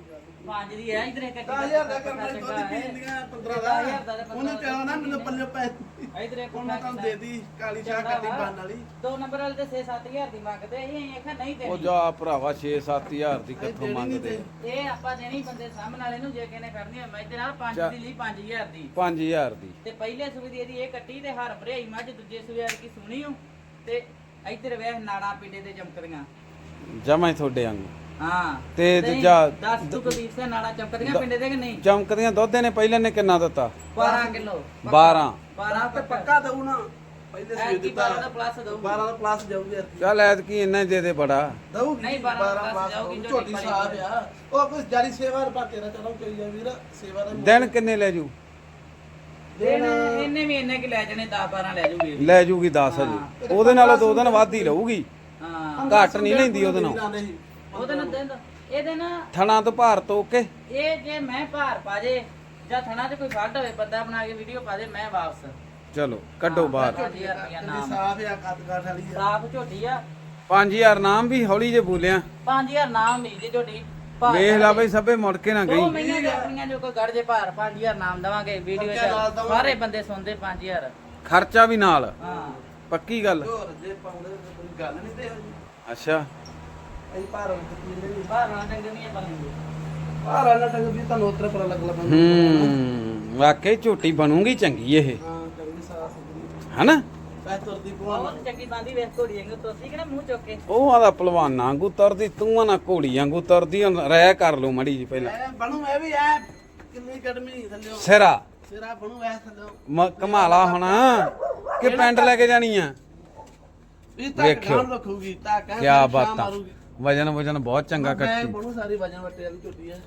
[SPEAKER 2] ਪੰਜ ਦੀ ਹੈ ਇਧਰ ਇੱਕ
[SPEAKER 3] ਦਸ ਹਜ਼ਾਰ ਦਾ ਕਰਨਾ ਦੁੱਧ ਪੀਂਦੀਆਂ ਪੰਦਰਾਂ ਦਾ ਉਹਨੇ ਕਿਹਾ ਨਾ ਮੈਨੂੰ ਪੱਲੇ ਪੈ
[SPEAKER 2] ਇਧਰ ਇੱਕ
[SPEAKER 3] ਹੁਣ ਮੈਂ ਤੁਹਾਨੂੰ ਦੇ ਦੀ ਕਾਲੀ ਚਾਹ ਕਰਦੀ ਬੰਨ ਵਾਲੀ
[SPEAKER 2] ਦੋ ਨੰਬਰ ਵਾਲੇ ਤੇ ਛੇ ਸੱਤ ਹਜ਼ਾਰ ਦੀ ਮੰਗਦੇ ਅਸੀਂ ਅਸੀਂ ਆਖਿਆ ਨਹੀਂ
[SPEAKER 1] ਉਹ
[SPEAKER 2] ਦੇਣੀ
[SPEAKER 1] ਜਾ ਭਰਾਵਾ ਛੇ ਸੱਤ ਹਜ਼ਾਰ ਦੀ ਕਿੱਥੋਂ ਮੰਗਦੇ
[SPEAKER 2] ਇਹ ਆਪਾਂ ਦੇਣੀ ਬੰਦੇ ਸਾਹਮਣੇ ਵਾਲੇ ਨੂੰ ਜੇ ਕਿਨੇ ਕਰਨੀ ਹੈ ਮੈਂ ਤੇ ਨਾਲ ਪੰਜ ਦੀ ਲਈ ਪੰਜ ਹਜ਼ਾਰ ਦੀ
[SPEAKER 1] ਪੰਜ ਹਜ਼ਾਰ ਦੀ
[SPEAKER 2] ਤੇ ਪਹਿਲੇ ਸੂਏ ਦੀ ਇਹਦੀ ਇਹ ਕੱਟੀ ਤੇ ਹਰ ਭਰਿਆਈ ਮੱਝ ਦੂਜੇ ਸੂਏ ਕੀ ਸੁਣੀ ਹੂੰ ਤੇ ਇਧਰ ਵੇਖ ਨਾੜਾ ਪਿੰਡੇ ਤੇ ਚਮਕਦੀਆਂ
[SPEAKER 1] ਜਮਾਂ ਹੀ ਤੁਹਾਡੇ ਵਾਂਗੂ
[SPEAKER 2] ਹਾਂ
[SPEAKER 1] ਤੇ ਦੂਜਾ
[SPEAKER 2] ਦਸ ਤੋਂ ਕਦੀਪ ਸੇ ਨਾੜਾ ਚਮਕਦੀਆਂ ਪਿੰਡੇ ਦੇ ਕਿ ਨਹੀਂ
[SPEAKER 1] ਚਮਕਦੀਆਂ ਦੁੱਧ ਨੇ ਪਹਿਲੇ ਨੇ ਕਿੰਨਾ ਦਿੱਤਾ
[SPEAKER 2] ਬਾਰਾਂ ਕਿਲੋ
[SPEAKER 1] ਬਾਰਾਂ
[SPEAKER 2] ਬਾਰਾਂ
[SPEAKER 3] ਤੇ ਪੱਕਾ ਦਊ ਨਾ ਪਹਿਲੇ ਸਵੇਰ ਦਿੱਤਾ
[SPEAKER 2] ਬਾਰਾਂ ਦਾ ਪਲੱਸ ਦਊ
[SPEAKER 3] ਬਾਰਾਂ ਦਾ ਪਲੱਸ ਜਾਊਗੀ
[SPEAKER 1] ਚੱਲ ਐਤਕੀ ਇੰਨਾ ਹੀ ਦੇ ਦੇ ਬੜਾ
[SPEAKER 3] ਦਊਗੀ
[SPEAKER 2] ਨਹੀਂ, ਬਾਰਾਂ ਦਾ plus ਜਾਊਗੀ,
[SPEAKER 3] ਝੋਟੀ ਸਾਹਿਬ ਆ ਉਹ ਕੁਝ ਜਾਰੀ ਸੇਵਾ ਰੁਪਾ ਤੇਰਾ ਚਲੋ ਕੋਈ ਜਾ ਵੀਰ ਸੇਵਾ ਦਾ
[SPEAKER 1] ਦਿਨ ਕਿੰਨੇ ਲੈ ਜੂ
[SPEAKER 2] ਦਿਨ ਇਹਨੇ ਵੀ ਇੰਨੇ ਕਿ ਲੈ ਜਾਣੇ ਦਸ ਬਾਰਾਂ ਲੈ ਜੂਗੀ
[SPEAKER 1] ਲੈ ਜੂਗੀ ਦਸ ਹਜੇ ਉਹਦੇ ਨਾਲੋਂ ਦੋ ਦਿਨ ਵੱਧ ਹੀ ਲਊਗੀ
[SPEAKER 2] ਹਾਂ
[SPEAKER 1] ਘੱਟ ਨਹੀਂ ਲੈਂਦੀ ਉਹਦੇ ਨਾਲ
[SPEAKER 2] ਉਹਦੇ ਨਾਲ ਦਿਨ ਇਹਦੇ ਨਾਲ
[SPEAKER 1] ਥਣਾ ਤੋਂ ਭਾਰ ਤੋਂ ਕੇ
[SPEAKER 2] ਇਹ ਜੇ ਮੈਂ ਭਾਰ ਪਾ ਜੇ ਜਾਂ ਥਣਾ 'ਚ ਕੋਈ ਫੱਡ ਹੋਵੇ ਬੰਦਾ ਬਣਾ ਕੇ ਵੀਡੀਓ ਪਾ ਦੇ ਮੈਂ ਵਾਪਸ
[SPEAKER 1] ਚਲੋ ਕੱਢੋ ਬਾਹਰ
[SPEAKER 2] ਪੰਜ ਹਜ਼ਾਰ ਰੁਪਇਆ ਨਾਮ
[SPEAKER 3] ਸਾਫ ਆ ਕੱਦ ਕਾਠ ਵਾਲੀ ਆ
[SPEAKER 2] ਸਾਫ ਝੋਟੀ ਆ
[SPEAKER 1] ਪੰਜ ਹਜ਼ਾਰ ਨਾਮ ਵੀ ਹੌਲੀ ਜੇ ਬੋਲਿਆ
[SPEAKER 2] ਪੰਜ ਹਜ਼ਾਰ ਨਾਮ ਮਿਲਦੀ ਝੋਟੀ
[SPEAKER 1] ਵੇਖ ਲਾ ਬਈ ਸਭੇ ਮੁੜ ਕੇ ਨਾ
[SPEAKER 2] ਦੋ
[SPEAKER 1] ਗਈ
[SPEAKER 2] ਮਹੀਨੇ ਆਪਣੀਆਂ ਜੋ ਕੋਈ ਗੜ ਜੇ ਭਾਰ ਪੰਜ ਹਜ਼ਾਰ ਨਾਮ ਦਵਾਂਗੇ ਵੀਡੀਓ 'ਚ ਸਾਰੇ ਬੰਦੇ ਸੁਣਦੇ ਪੰਜ ਹਜ਼ਾਰ
[SPEAKER 1] ਖਰਚਾ ਵੀ ਨਾਲ
[SPEAKER 2] ਹਾਂ
[SPEAKER 1] ਪੱਕੀ ਗੱਲ
[SPEAKER 3] ਹੋਰ ਜੇ ਪਾਉਂਦੇ ਤਾਂ ਕੋਈ ਗੱਲ ਨਹੀਂ ਤੇ ਇਹੋ ਜਿਹੀ।
[SPEAKER 1] ਅੱਛਾ
[SPEAKER 3] ਅਸੀਂ ਭਾਰ ਨਹੀਂ
[SPEAKER 2] ਬਾਹਰ ਨਾ ਡੰਗ ਨਹੀਂ ਬਣਨਗੇ
[SPEAKER 3] ਭਾਰ ਵਾਲਾ ਟੰਗ ਵੀ ਤੁਹਾਨੂੰ ਉਤਰੇ ਪਰ ਲੱਗ ਲੱਗ
[SPEAKER 1] ਹੂੰ ਵਾਕਈ ਝੋਟੀ ਬਣੂਗੀ ਚੰਗੀ ਇਹ
[SPEAKER 3] ਹਾਂ ਚੰਗੀ ਸਾਫ ਸੁਥਰੀ
[SPEAKER 1] ਹਨਾ
[SPEAKER 3] ਪੈ ਤੁਰਦੀ ਭਵਾਨ
[SPEAKER 2] ਬਹੁਤ ਚੰਗੀ ਬਾਂਦੀ ਵੇਖ ਘੋੜੀ ਵਾਂਗੂ ਤੋਸੀ ਕਿ ਨਾ ਮੂੰਹ ਚੁੱਕ ਕੇ
[SPEAKER 1] ਉਹ ਆਦਾ ਪਹਿਲਵਾਨਾਂ ਵਾਂਗੂ ਤੁਰਦੀ ਤੂੰ ਆ ਨਾ ਘੋੜੀ ਵਾਂਗੂ ਤੁਰਦੀ ਹੁਣ ਰਹਿ ਕਰ ਲੋ ਮੜੀ ਜੀ ਪਹਿਲਾਂ
[SPEAKER 3] ਐ ਬਣੂ ਐ ਵੀ ਐ ਕਿੰਨੀ ਗਰਮੀ ਥੱਲਿਓ
[SPEAKER 1] ਸਿਰਾ
[SPEAKER 3] ਸਿਰਾ ਬਣੂ ਐ ਥੱਲਿਓ
[SPEAKER 1] ਮ- ਕਮਾਲਾ ਹੋਣਾ ਕਿ ਪਿੰਡ ਲੈ ਕੇ ਜਾਣੀ ਆ
[SPEAKER 3] ਵੀ ਤੱਕ
[SPEAKER 1] ਵੇਖਿਓ।
[SPEAKER 3] ਗਾਣ ਰੱਖੂਗੀ ਤਾਂ ਕਹਿ
[SPEAKER 1] ਕੀ ਬਾਤਾਂ ਵਜਨ ਵਜਨ ਬਹੁਤ ਚੰਗਾ
[SPEAKER 3] ਮੈਂ
[SPEAKER 1] ਕੱਟੀ
[SPEAKER 3] ਬਣੂ ਸਾਰੀ ਵਜਨ ਵੱਟੇ ਵਾਲੀ ਝੋਟੀ ਐ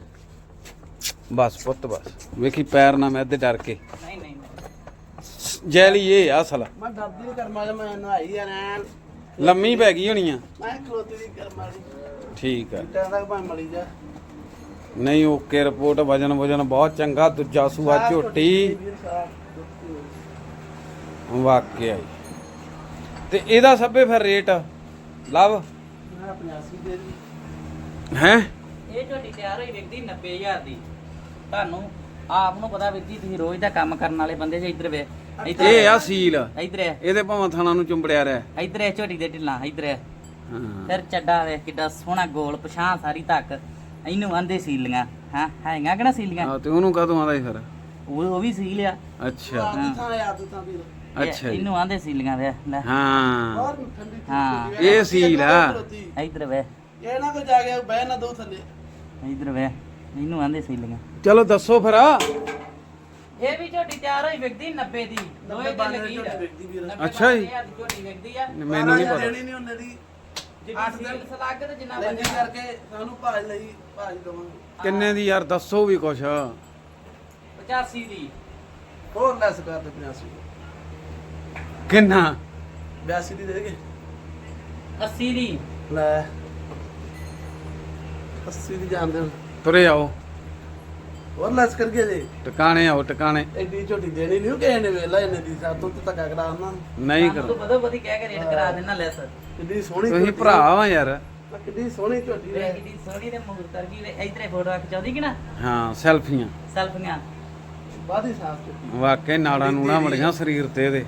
[SPEAKER 1] ਬਸ ਪੁੱਤ ਬਸ ਵੇਖੀ ਪੈਰ ਨਾ ਮੈਂ ਅੱਧੇ ਡਰ ਕੇ
[SPEAKER 2] ਨਹੀਂ ਨਹੀਂ ਨਹੀਂ।
[SPEAKER 1] ਜੈਲੀ ਇਹ ਆ ਅਸਲ
[SPEAKER 3] ਮੈਂ ਡਰਦੀ ਨਹੀਂ ਕਰਮਾ ਮੈਂ ਨਹਾਈ ਆ ਨੈਣ
[SPEAKER 1] ਲੰਮੀ ਪੈ ਗਈ ਹੋਣੀ ਆ
[SPEAKER 3] ਮੈਂ ਖਲੋਤੀ ਦੀ ਕਰਮਾ ਦੀ
[SPEAKER 1] ਠੀਕ ਆ
[SPEAKER 3] ਟਾਂ ਤੱਕ ਭਾਵੇਂ ਮਲੀ ਜਾ
[SPEAKER 1] ਨਹੀਂ ਓਕੇ ਰਿਪੋਰਟ ਵਜਨ ਵਜਨ ਬਹੁਤ ਚੰਗਾ ਦੂਜਾ ਸੂਆ
[SPEAKER 3] ਸਾਫ਼
[SPEAKER 1] ਝੋਟੀ
[SPEAKER 3] ਵੀਰ ਸਾਫ਼ ਝੋਟੀ।
[SPEAKER 1] ਵਾਕਿਆ ਹੀ ਤੇ ਇਹਦਾ ਸਭੇ ਫਿਰ ਰੇਟ ਲਵ
[SPEAKER 3] ਮੈਂ ਪੰਜਾਸੀ ਦੇ ਦੀ
[SPEAKER 1] ਹੈ
[SPEAKER 2] ਇਹ ਝੋਟੀ ਤਿਆਰ ਹੋਈ ਵਿਕਦੀ ਨੱਬੇ ਹਜ਼ਾਰ ਦੀ ਤੁਹਾਨੂੰ ਆਪ ਨੂੰ ਪਤਾ ਵੀਰ ਜੀ ਤੁਸੀਂ ਰੋਜ਼ ਦਾ ਕੰਮ ਕਰਨ ਵਾਲੇ ਬੰਦੇ ਜੇ ਇੱਧਰ ਵੇ ਇੱਧਰ
[SPEAKER 1] ਇਹ ਆ ਸੀਲ
[SPEAKER 2] ਇੱਧਰ ਹੈ
[SPEAKER 1] ਇਹਦੇ ਭਾਵੇਂ ਥਾਣਾ ਨੂੰ ਚੁੰਬੜਿਆ ਰਿਹਾ
[SPEAKER 2] ਇੱਧਰ ਹੈ ਝੋਟੀ ਦੇ ਢਿੱਲਾਂ ਇੱਧਰ ਹੈ
[SPEAKER 1] ਹਾਂ
[SPEAKER 2] ਫਿਰ ਚੱਡਾ ਵੇ ਕਿੱਡਾ ਸੋਹਣਾ ਗੋਲ ਪਛਾਂ ਸਾਰੀ ਤੱਕ ਇਹਨੂੰ ਆਂਦੇ ਸੀਲੀਆਂ ਹਾਂ ਹੈਗਾ ਕਿਹੜਾ ਸੀਲੀਆਂ
[SPEAKER 1] ਆ ਤੇ ਉਹਨੂੰ ਕਦੋਂ ਆਉਂਦਾ ਫਿਰ
[SPEAKER 2] ਉਹ ਉਹ ਵੀ ਸੀਲ ਆ
[SPEAKER 1] ਅੱਛਾ
[SPEAKER 3] ਆਦਤ ਥਾਂ ਆਦਤ ਥਾਂ ਵੀਰ
[SPEAKER 2] ਇਹ-
[SPEAKER 1] ਅੱਛਾ ਜੀ।
[SPEAKER 2] ਇਹਨੂੰ ਆਂਦੇ ਸੀਲੀਆਂ ਵੇ ਲੈ
[SPEAKER 1] ਹਾਂ
[SPEAKER 3] ਹੋਰ ਠੰਡੀ
[SPEAKER 2] ਹਾਂ।
[SPEAKER 1] ਇਹ ਸੀਲ ਆ।
[SPEAKER 2] ਇੱਧਰ ਵੇ
[SPEAKER 3] ਇਹ ਨਾ ਕੋ ਜਾ ਕੇ ਬਹਿ ਨਾ ਦੋ ਥੱਲੇ
[SPEAKER 2] ਇੱਧਰ ਵੇ ਇਹਨੂੰ ਆਂਦੇ ਸੀਲੀਆਂ
[SPEAKER 1] ਚਲੋ ਦੱਸੋ ਫਿਰ
[SPEAKER 2] ਇਹ ਵੀ ਝੋਟੀ ਤਿਆਰ ਹੋਈ ਵਿਕਦੀ ਨੱਬੇ ਦੀ ਦੋਏ ਤੇ
[SPEAKER 3] ਬਾਨਵੇਂ
[SPEAKER 2] ਲੱਗੀ
[SPEAKER 3] ਝੋਟੀ ਵਿਕਦੀ ਵੀਰ।
[SPEAKER 2] ਨੱਬੇ
[SPEAKER 1] ਅੱਛਾ ਜੀ।
[SPEAKER 2] ਹਜ਼ਾਰ ਦੀ ਝੋਟੀ ਵਿਕਦੀ ਆ
[SPEAKER 1] ਮੈਨੂੰ ਨਹੀਂ ਪਤਾ
[SPEAKER 3] ਦੇਣੀ ਨਹੀਂ ਉਹਨੇ ਦੀ
[SPEAKER 2] ਜਿੱਡੀ ਸੀਲ ਸਲਾਗ ਤੇ ਜਿੰਨਾ
[SPEAKER 3] ਲੈਂਦੀ
[SPEAKER 2] ਵਜਨ
[SPEAKER 3] ਕਰਕੇ ਸਾਨੂੰ ਭਾਜ ਲਈ ਭਾਜ ਦਵਾਂਗੇ
[SPEAKER 1] ਕਿੰਨੇ ਦੀ ਯਾਰ ਦੱਸੋ ਵੀ ਕੁਛ
[SPEAKER 2] ਪਚਾਸੀ ਦੀ
[SPEAKER 3] ਹੋਰ ਲੈਸ ਕਰ ਦੇ ਪੰਜਾਸੀ
[SPEAKER 1] ਕਿੰਨਾ
[SPEAKER 3] ਬਿਆਸੀ ਦੀ ਦੇ ਦੇਗੇ
[SPEAKER 2] ਅੱਸੀ ਦੀ
[SPEAKER 3] ਲੈ ਅੱਸੀ ਦੀ ਜਾਣ ਦੇ
[SPEAKER 1] ਤੁਰੇ ਆਓ
[SPEAKER 3] ਹੋਰ ਲੈਸ ਕਰਕੇ ਦੇ
[SPEAKER 1] ਟਿਕਾਣੇ ਆਓ ਟਿਕਾਣੇ
[SPEAKER 3] ਐਡੀ ਝੋਟੀ ਦੇਣੀ ਨਹੀਂ ਕਿਸੇ ਨੇ ਵੇਲਾ ਇਹਨੇ ਦੀ ਸਾਤੋਂ ਤੇ ਧੱਕਾ ਕਰਾ ਉਹਨਾਂ
[SPEAKER 1] ਨਹੀਂ
[SPEAKER 2] ਤੂੰ
[SPEAKER 1] ਕਰੋ
[SPEAKER 2] ਬਦੋ ਬਦੀ ਕਹਿ ਕੇ ਰੇਟ ਕਰਾ ਦੇਣਾ ਲੈਸ
[SPEAKER 3] ਕਿੱਡੀ ਸੋਹਣੀ
[SPEAKER 1] ਤੁਸੀਂ
[SPEAKER 3] ਝੋਟੀ
[SPEAKER 1] ਭਰਾ ਵਾ ਯਾਰ
[SPEAKER 3] ਆ, ਕਿੱਡੀ ਸੋਹਣੀ ਝੋਟੀ
[SPEAKER 2] ਵੇ
[SPEAKER 3] ਹੈ
[SPEAKER 2] ਕਿਦੀ ਸੋਹਣੀ ਤੇ ਮੂਰਤਰ ਕੀ ਇਧਰੇ ਫੋਟੋ ਰੱਖ ਚਾਹਦੀ ਕਿ ਨਾ
[SPEAKER 1] ਹਾਂ ਸੈਲਫੀਆਂ
[SPEAKER 2] ਸੈਲਫੀਆਂ
[SPEAKER 3] ਬਾਦੀ ਸਾਫ ਝੋਟੀ
[SPEAKER 1] ਵਾਕਈ ਨਾੜਾ ਨੂੜਾ ਮੜੀਆਂ ਸਰੀਰ ਤੇ ਇਹਦੇ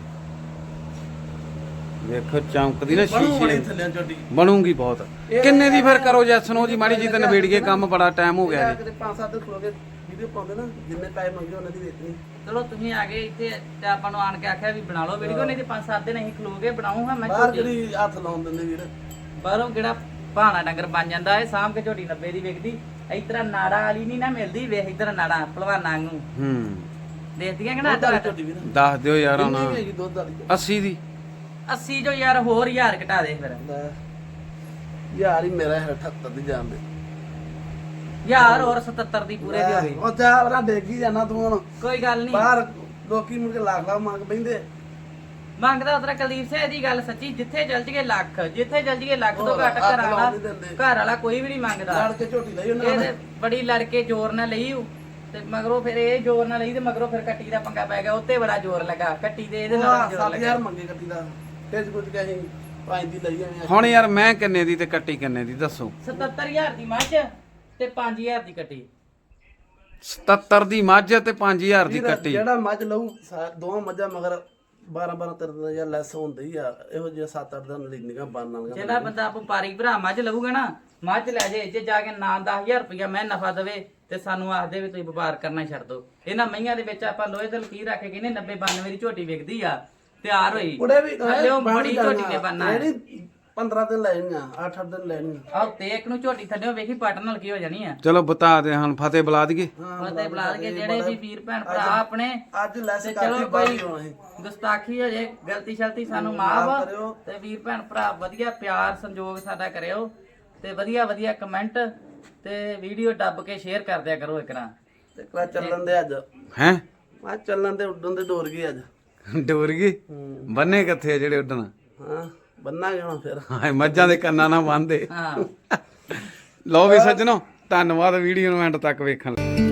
[SPEAKER 1] ਵੇਖੋ ਚਮਕਦੀ ਨਾ
[SPEAKER 3] ਬਣੂ ਬੜੀ
[SPEAKER 1] ਸ਼ੀਸ਼ੇ
[SPEAKER 3] ਥੱਲੇ ਝੋਟੀ
[SPEAKER 1] ਬਣੂਗੀ ਬਹੁਤ ਕਿੰਨੇ ਦੀ ਫਿਰ ਕਰੋ ਜੈਸਨੋ ਜੀ ਮਾੜੀ ਜੀ ਤੇ ਨਵੇੜੀਏ ਕੰਮ ਬੜਾ ਟਾਈਮ ਹੋ ਗਿਆ ਜੀ
[SPEAKER 3] ਕਿਤੇ ਪੰਜ ਸੱਤ ਦਿਨ ਖਲੋ ਕੇ ਵੀਡੀਓ ਪਾਉਂਦੇ ਨਾ ਜਿੰਨੇ ਪੈਸੇ ਮੰਗੇ ਉਹਨਾਂ ਦੀ ਵੇਚਣੀ
[SPEAKER 2] ਚਲੋ ਤੁਸੀਂ ਆ ਗਏ ਇੱਥੇ ਤੇ ਆਪਾਂ ਨੂੰ ਆਣ ਕੇ ਆਖਿਆ ਵੀ ਬਣਾ ਲਓ ਵੀਡੀਓ ਨਹੀਂ ਤੇ ਪੰਜ ਸੱਤ ਦਿਨ ਅਸੀਂ ਖਲੋਗੇ ਬਣਾਉਂਗਾ ਮੈਂ
[SPEAKER 3] ਬਾਹਰ
[SPEAKER 2] ਝੋਟੀ
[SPEAKER 3] ਕਿਹੜੀ ਹੱਥ ਲਾਉਣ ਦਿੰਦੇ ਵੀਰ
[SPEAKER 2] ਬਾਹਰੋਂ ਕਿਹੜਾ ਭਾਣਾ ਡੰਗਰ ਬਣ ਜਾਂਦਾ ਇਹ ਸਾਂਭ ਕੇ ਝੋਟੀ ਨੱਬੇ ਦੀ ਵਿਕਦੀ ਇਸ ਤਰ੍ਹਾਂ ਨਾੜਾ ਵਾਲੀ ਨਹੀਂ ਨਾ ਮਿਲਦੀ ਵੇਖ ਇਧਰ ਨਾੜਾ ਭਲਵਾਨਾਂ ਨੂੰ
[SPEAKER 1] ਹੂੰ
[SPEAKER 2] ਦੇਖਦੀਆਂ ਕਿ ਨਾ
[SPEAKER 3] ਦੁੱਧ ਵਾਲੀ ਝੋਟੀ ਵੀਰ
[SPEAKER 1] ਦੱਸ ਦਿਓ ਯਾਰ
[SPEAKER 3] ਕਿੰਨੀ
[SPEAKER 1] ਹੁਣ
[SPEAKER 3] ਕੁ ਹੈਗੀ ਦੁੱਧ ਵਾਲੀ
[SPEAKER 1] ਅੱਸੀ ਦੀ
[SPEAKER 2] ਅੱਸੀ ਜੋ ਯਾਰ ਹੋਰ ਹਜ਼ਾਰ ਘਟਾ ਦੇ ਫਿਰ
[SPEAKER 3] ਲੈ ਯਾਰ ਹੀ ਮੇਰਾ ਹੈ ਅਠੱਤਰ ਦੀ ਜਾਣ ਦੇ
[SPEAKER 2] ਹਜ਼ਾਰ ਹੋਰ ਸਤੱਤਰ ਦੀ ਪੂਰੇ ਦੀ ਹੋ ਗਈ
[SPEAKER 3] ਉਹ ਜਾ ਵਰਾ ਡੇਗੀ ਜਾਣਾ ਤੂੰ ਹੁਣ
[SPEAKER 2] ਕੋਈ ਗੱਲ ਨਹੀਂ
[SPEAKER 3] ਬਾਹਰ ਲੋਕੀ ਮੁੜ ਕੇ ਲੱਖ ਲੱਖ ਮੰਗ ਪੈਂਦੇ
[SPEAKER 2] ਮੰਗਦਾ ਉਤਰਾ ਕੁਲਦੀਪ ਸਿੰਘ ਦੀ ਗੱਲ ਸੱਚੀ ਜਿੱਥੇ ਚਲ ਜੀਏ ਲੱਖ ਜਿੱਥੇ ਚਲ ਜੀਏ ਲੱਖ ਤੋਂ
[SPEAKER 3] ਹੋਰ,
[SPEAKER 2] ਘੱਟ
[SPEAKER 3] ਹੱਥ
[SPEAKER 2] ਘਰ ਵਾਲਾ
[SPEAKER 3] ਲਾਉਣ ਨੀ ਦਿੰਦੇ।
[SPEAKER 2] ਘਰ ਵਾਲਾ ਕੋਈ ਵੀ ਨਹੀਂ ਮੰਗਦਾ
[SPEAKER 3] ਲੜ ਕੇ ਝੋਟੀ ਲਈ ਉਹਨਾਂ
[SPEAKER 2] ਇਹ
[SPEAKER 3] ਨੇ
[SPEAKER 2] ਤੇ ਬੜੀ ਲੜ ਕੇ ਜ਼ੋਰ ਨਾਲ ਲਈ ਊ, ਤੇ ਮਗਰੋਂ ਫਿਰ ਇਹ ਜ਼ੋਰ ਨਾਲ ਲਈ ਤੇ ਮਗਰੋਂ ਫਿਰ ਕੱਟੀ ਦਾ ਪੰਗਾ ਪੈ ਗਿਆ ਉੱਤੇ ਬੜਾ ਜ਼ੋਰ ਲੱਗਾ ਕੱਟੀ ਤੇ ਇਹਦੇ ਨਾਲ ਜ਼ੋਰ
[SPEAKER 3] ਸੱਤ
[SPEAKER 2] ਲੱਗਾ
[SPEAKER 3] ਹਜ਼ਾਰ ਮੰਗੇ ਕੱਟੀ ਦਾ ਤੇਜ ਕੁਝ ਕਹੇ ਪੰਜ ਦੀ ਲਈ ਆਏ
[SPEAKER 1] ਹੁਣ ਯਾਰ ਮੈਂ ਕਿੰਨੇ ਦੀ ਤੇ ਕੱਟੀ ਕਿੰਨੇ ਦੀ ਦੱਸੋ
[SPEAKER 2] ਸਤੱਤਰ ਹਜ਼ਾਰ ਦੀ ਮੱਝ ਤੇ ਪੰਜ ਹਜ਼ਾਰ ਦੀ ਕੱਟੀ
[SPEAKER 1] ਸਤੱਤਰ ਦੀ ਮੱਝ ਤੇ ਪੰਜ ਹਜ਼ਾਰ ਦੀ
[SPEAKER 3] ਵੀਰ,
[SPEAKER 1] ਕੱਟੀ।
[SPEAKER 3] ਜਿਹੜਾ ਮੱਝ ਲਊ ਸਾ- ਦੋਵਾਂ ਮੱਝਾਂ ਮਗਰ ਬਾਰਾਂ ਬਾਰਾਂ ਤੇਰਾਂ ਜਾਂ ਲੈਸ ਹੁੰਦੀ ਹੀ ਆ। ਇਹੋ ਜਿਹਾ ਸੱਤ ਅੱਠ ਦਿਨ ਲੈਣੀਆਂ ਬਣ ਵਾਲੀਆਂ।
[SPEAKER 2] ਜਿਹੜਾ ਬੰਦਾ ਵਪਾਰੀ ਭਰਾ ਮੱਝ ਲਊਗਾ ਨਾ, ਮੱਝ ਲੈ ਜੇ ਜੇ ਜਾ ਕੇ ਨਾ ਦਸ ਹਜ਼ਾਰ ਰੁਪਇਆ ਮੈਂ ਨਫਾ ਦੇਵੇ ਤੇ ਸਾਨੂੰ ਆਖ ਦੇ ਵੀ ਤੁਸੀਂ ਵਪਾਰ ਕਰਨਾ ਛੱਡ ਦੋ। ਇਹਨਾਂ ਮਈਆਂ ਦੇ ਵਿੱਚ ਆਪਾਂ ਲੋਹੇ ਤੇ ਲਕੀਰ ਰੱਖ ਕੇ ਕਹਿੰਦੇ ਨੱਬੇ ਬਾਨਵੇਂ ਦੀ ਝੋਟੀ ਵਿਕਦੀ ਆ, ਤਿਆਰ ਹੋਈ
[SPEAKER 3] ਕੁੜੇ ਵੀ
[SPEAKER 2] ਥੱਲਿਓ ਬੜੀ ਝੋਟੀ ਨੇ ਬਣਨਾ ਹੈ।
[SPEAKER 3] ਜਿਹੜੀ ਪੰਦਰਾਂ ਦਿਨ ਲੈਣੀਆਂ, ਅੱਠ ਅੱਠ ਦਿਨ ਲੈਣੀਆਂ।
[SPEAKER 2] ਆਹ ਤੇ ਇੱਕ ਨੂੰ ਝੋਟੀ ਥੱਲਿਓ ਵੇਖੀ ਪੱਟ ਨਾਲ ਕੀ ਹੋ ਜਾਣੀ ਆ।
[SPEAKER 1] ਚਲੋ ਬਤਾ ਦੇ ਹੁਣ ਫਤਿਹ ਬੁਲਾ ਦਈਏ।
[SPEAKER 2] ਫਤਿਹ ਬੁਲਾ ਕੇ ਜਿਹੜੇ ਵੀ ਵੀਰ ਭੈਣ ਭਰਾ ਆਪਣੇ
[SPEAKER 3] ਅੱਜ ਲੈਸ
[SPEAKER 2] ਤੇ
[SPEAKER 3] ਕਰਕੇ
[SPEAKER 2] ਚਲੋ
[SPEAKER 3] ਬਾਈ
[SPEAKER 2] ਕੋਈ
[SPEAKER 3] ਹੋਣਾ ਸੀ।
[SPEAKER 2] ਗੁਸਤਾਖੀ ਹੋ ਜੇ, ਗਲਤੀ ਸ਼ਲਤੀ ਸਾਨੂੰ
[SPEAKER 3] ਮਾਫ਼
[SPEAKER 2] ਮਾਫ
[SPEAKER 3] ਕਰਿਓ।
[SPEAKER 2] ਤੇ ਵੀਰ ਭੈਣ ਭਰਾ ਵਧੀਆ ਪਿਆਰ ਸੰਯੋਗ ਸਾਡਾ ਕਰਿਓ ਤੇ ਵਧੀਆ ਵਧੀਆ ਕਮੈਂਟ ਤੇ ਵੀਡੀਓ ਦੱਬ ਕੇ ਸ਼ੇਅਰ ਕਰ ਦਿਆ ਕਰੋ ਇੱਕ ਨਾ।
[SPEAKER 3] ਤੇ ਕਲਾ ਚੱਲਣ ਦੇ ਅੱਜ
[SPEAKER 1] ਹੈ
[SPEAKER 3] ਆ ਚੱਲਣ ਦੇ ਉੱਡਣ ਦੇ ਡੋਰ ਗਈ ਅੱਜ।
[SPEAKER 1] ਡੋਰ ਗਈ ਬੰਨੇ ਕਿੱਥੇ ਆ ਜਿਹੜੇ ਉੱਡਣ?
[SPEAKER 3] ਹਾਂ ਬੰਨਾਂਗੇ ਹੁਣ ਫਿਰ।
[SPEAKER 1] ਹਾਂ ਮੱਝਾਂ ਦੇ ਕੰਨਾਂ ਨਾਲ ਬੰਨਦੇ।
[SPEAKER 2] ਹਾਂ
[SPEAKER 1] ਲਓ ਵੀ ਸੱਜਣੋ, ਧੰਨਵਾਦ ਵੀਡੀਓ ਨੂੰ ਐਂਡ ਤੱਕ ਵੇਖਣ ਲਈ।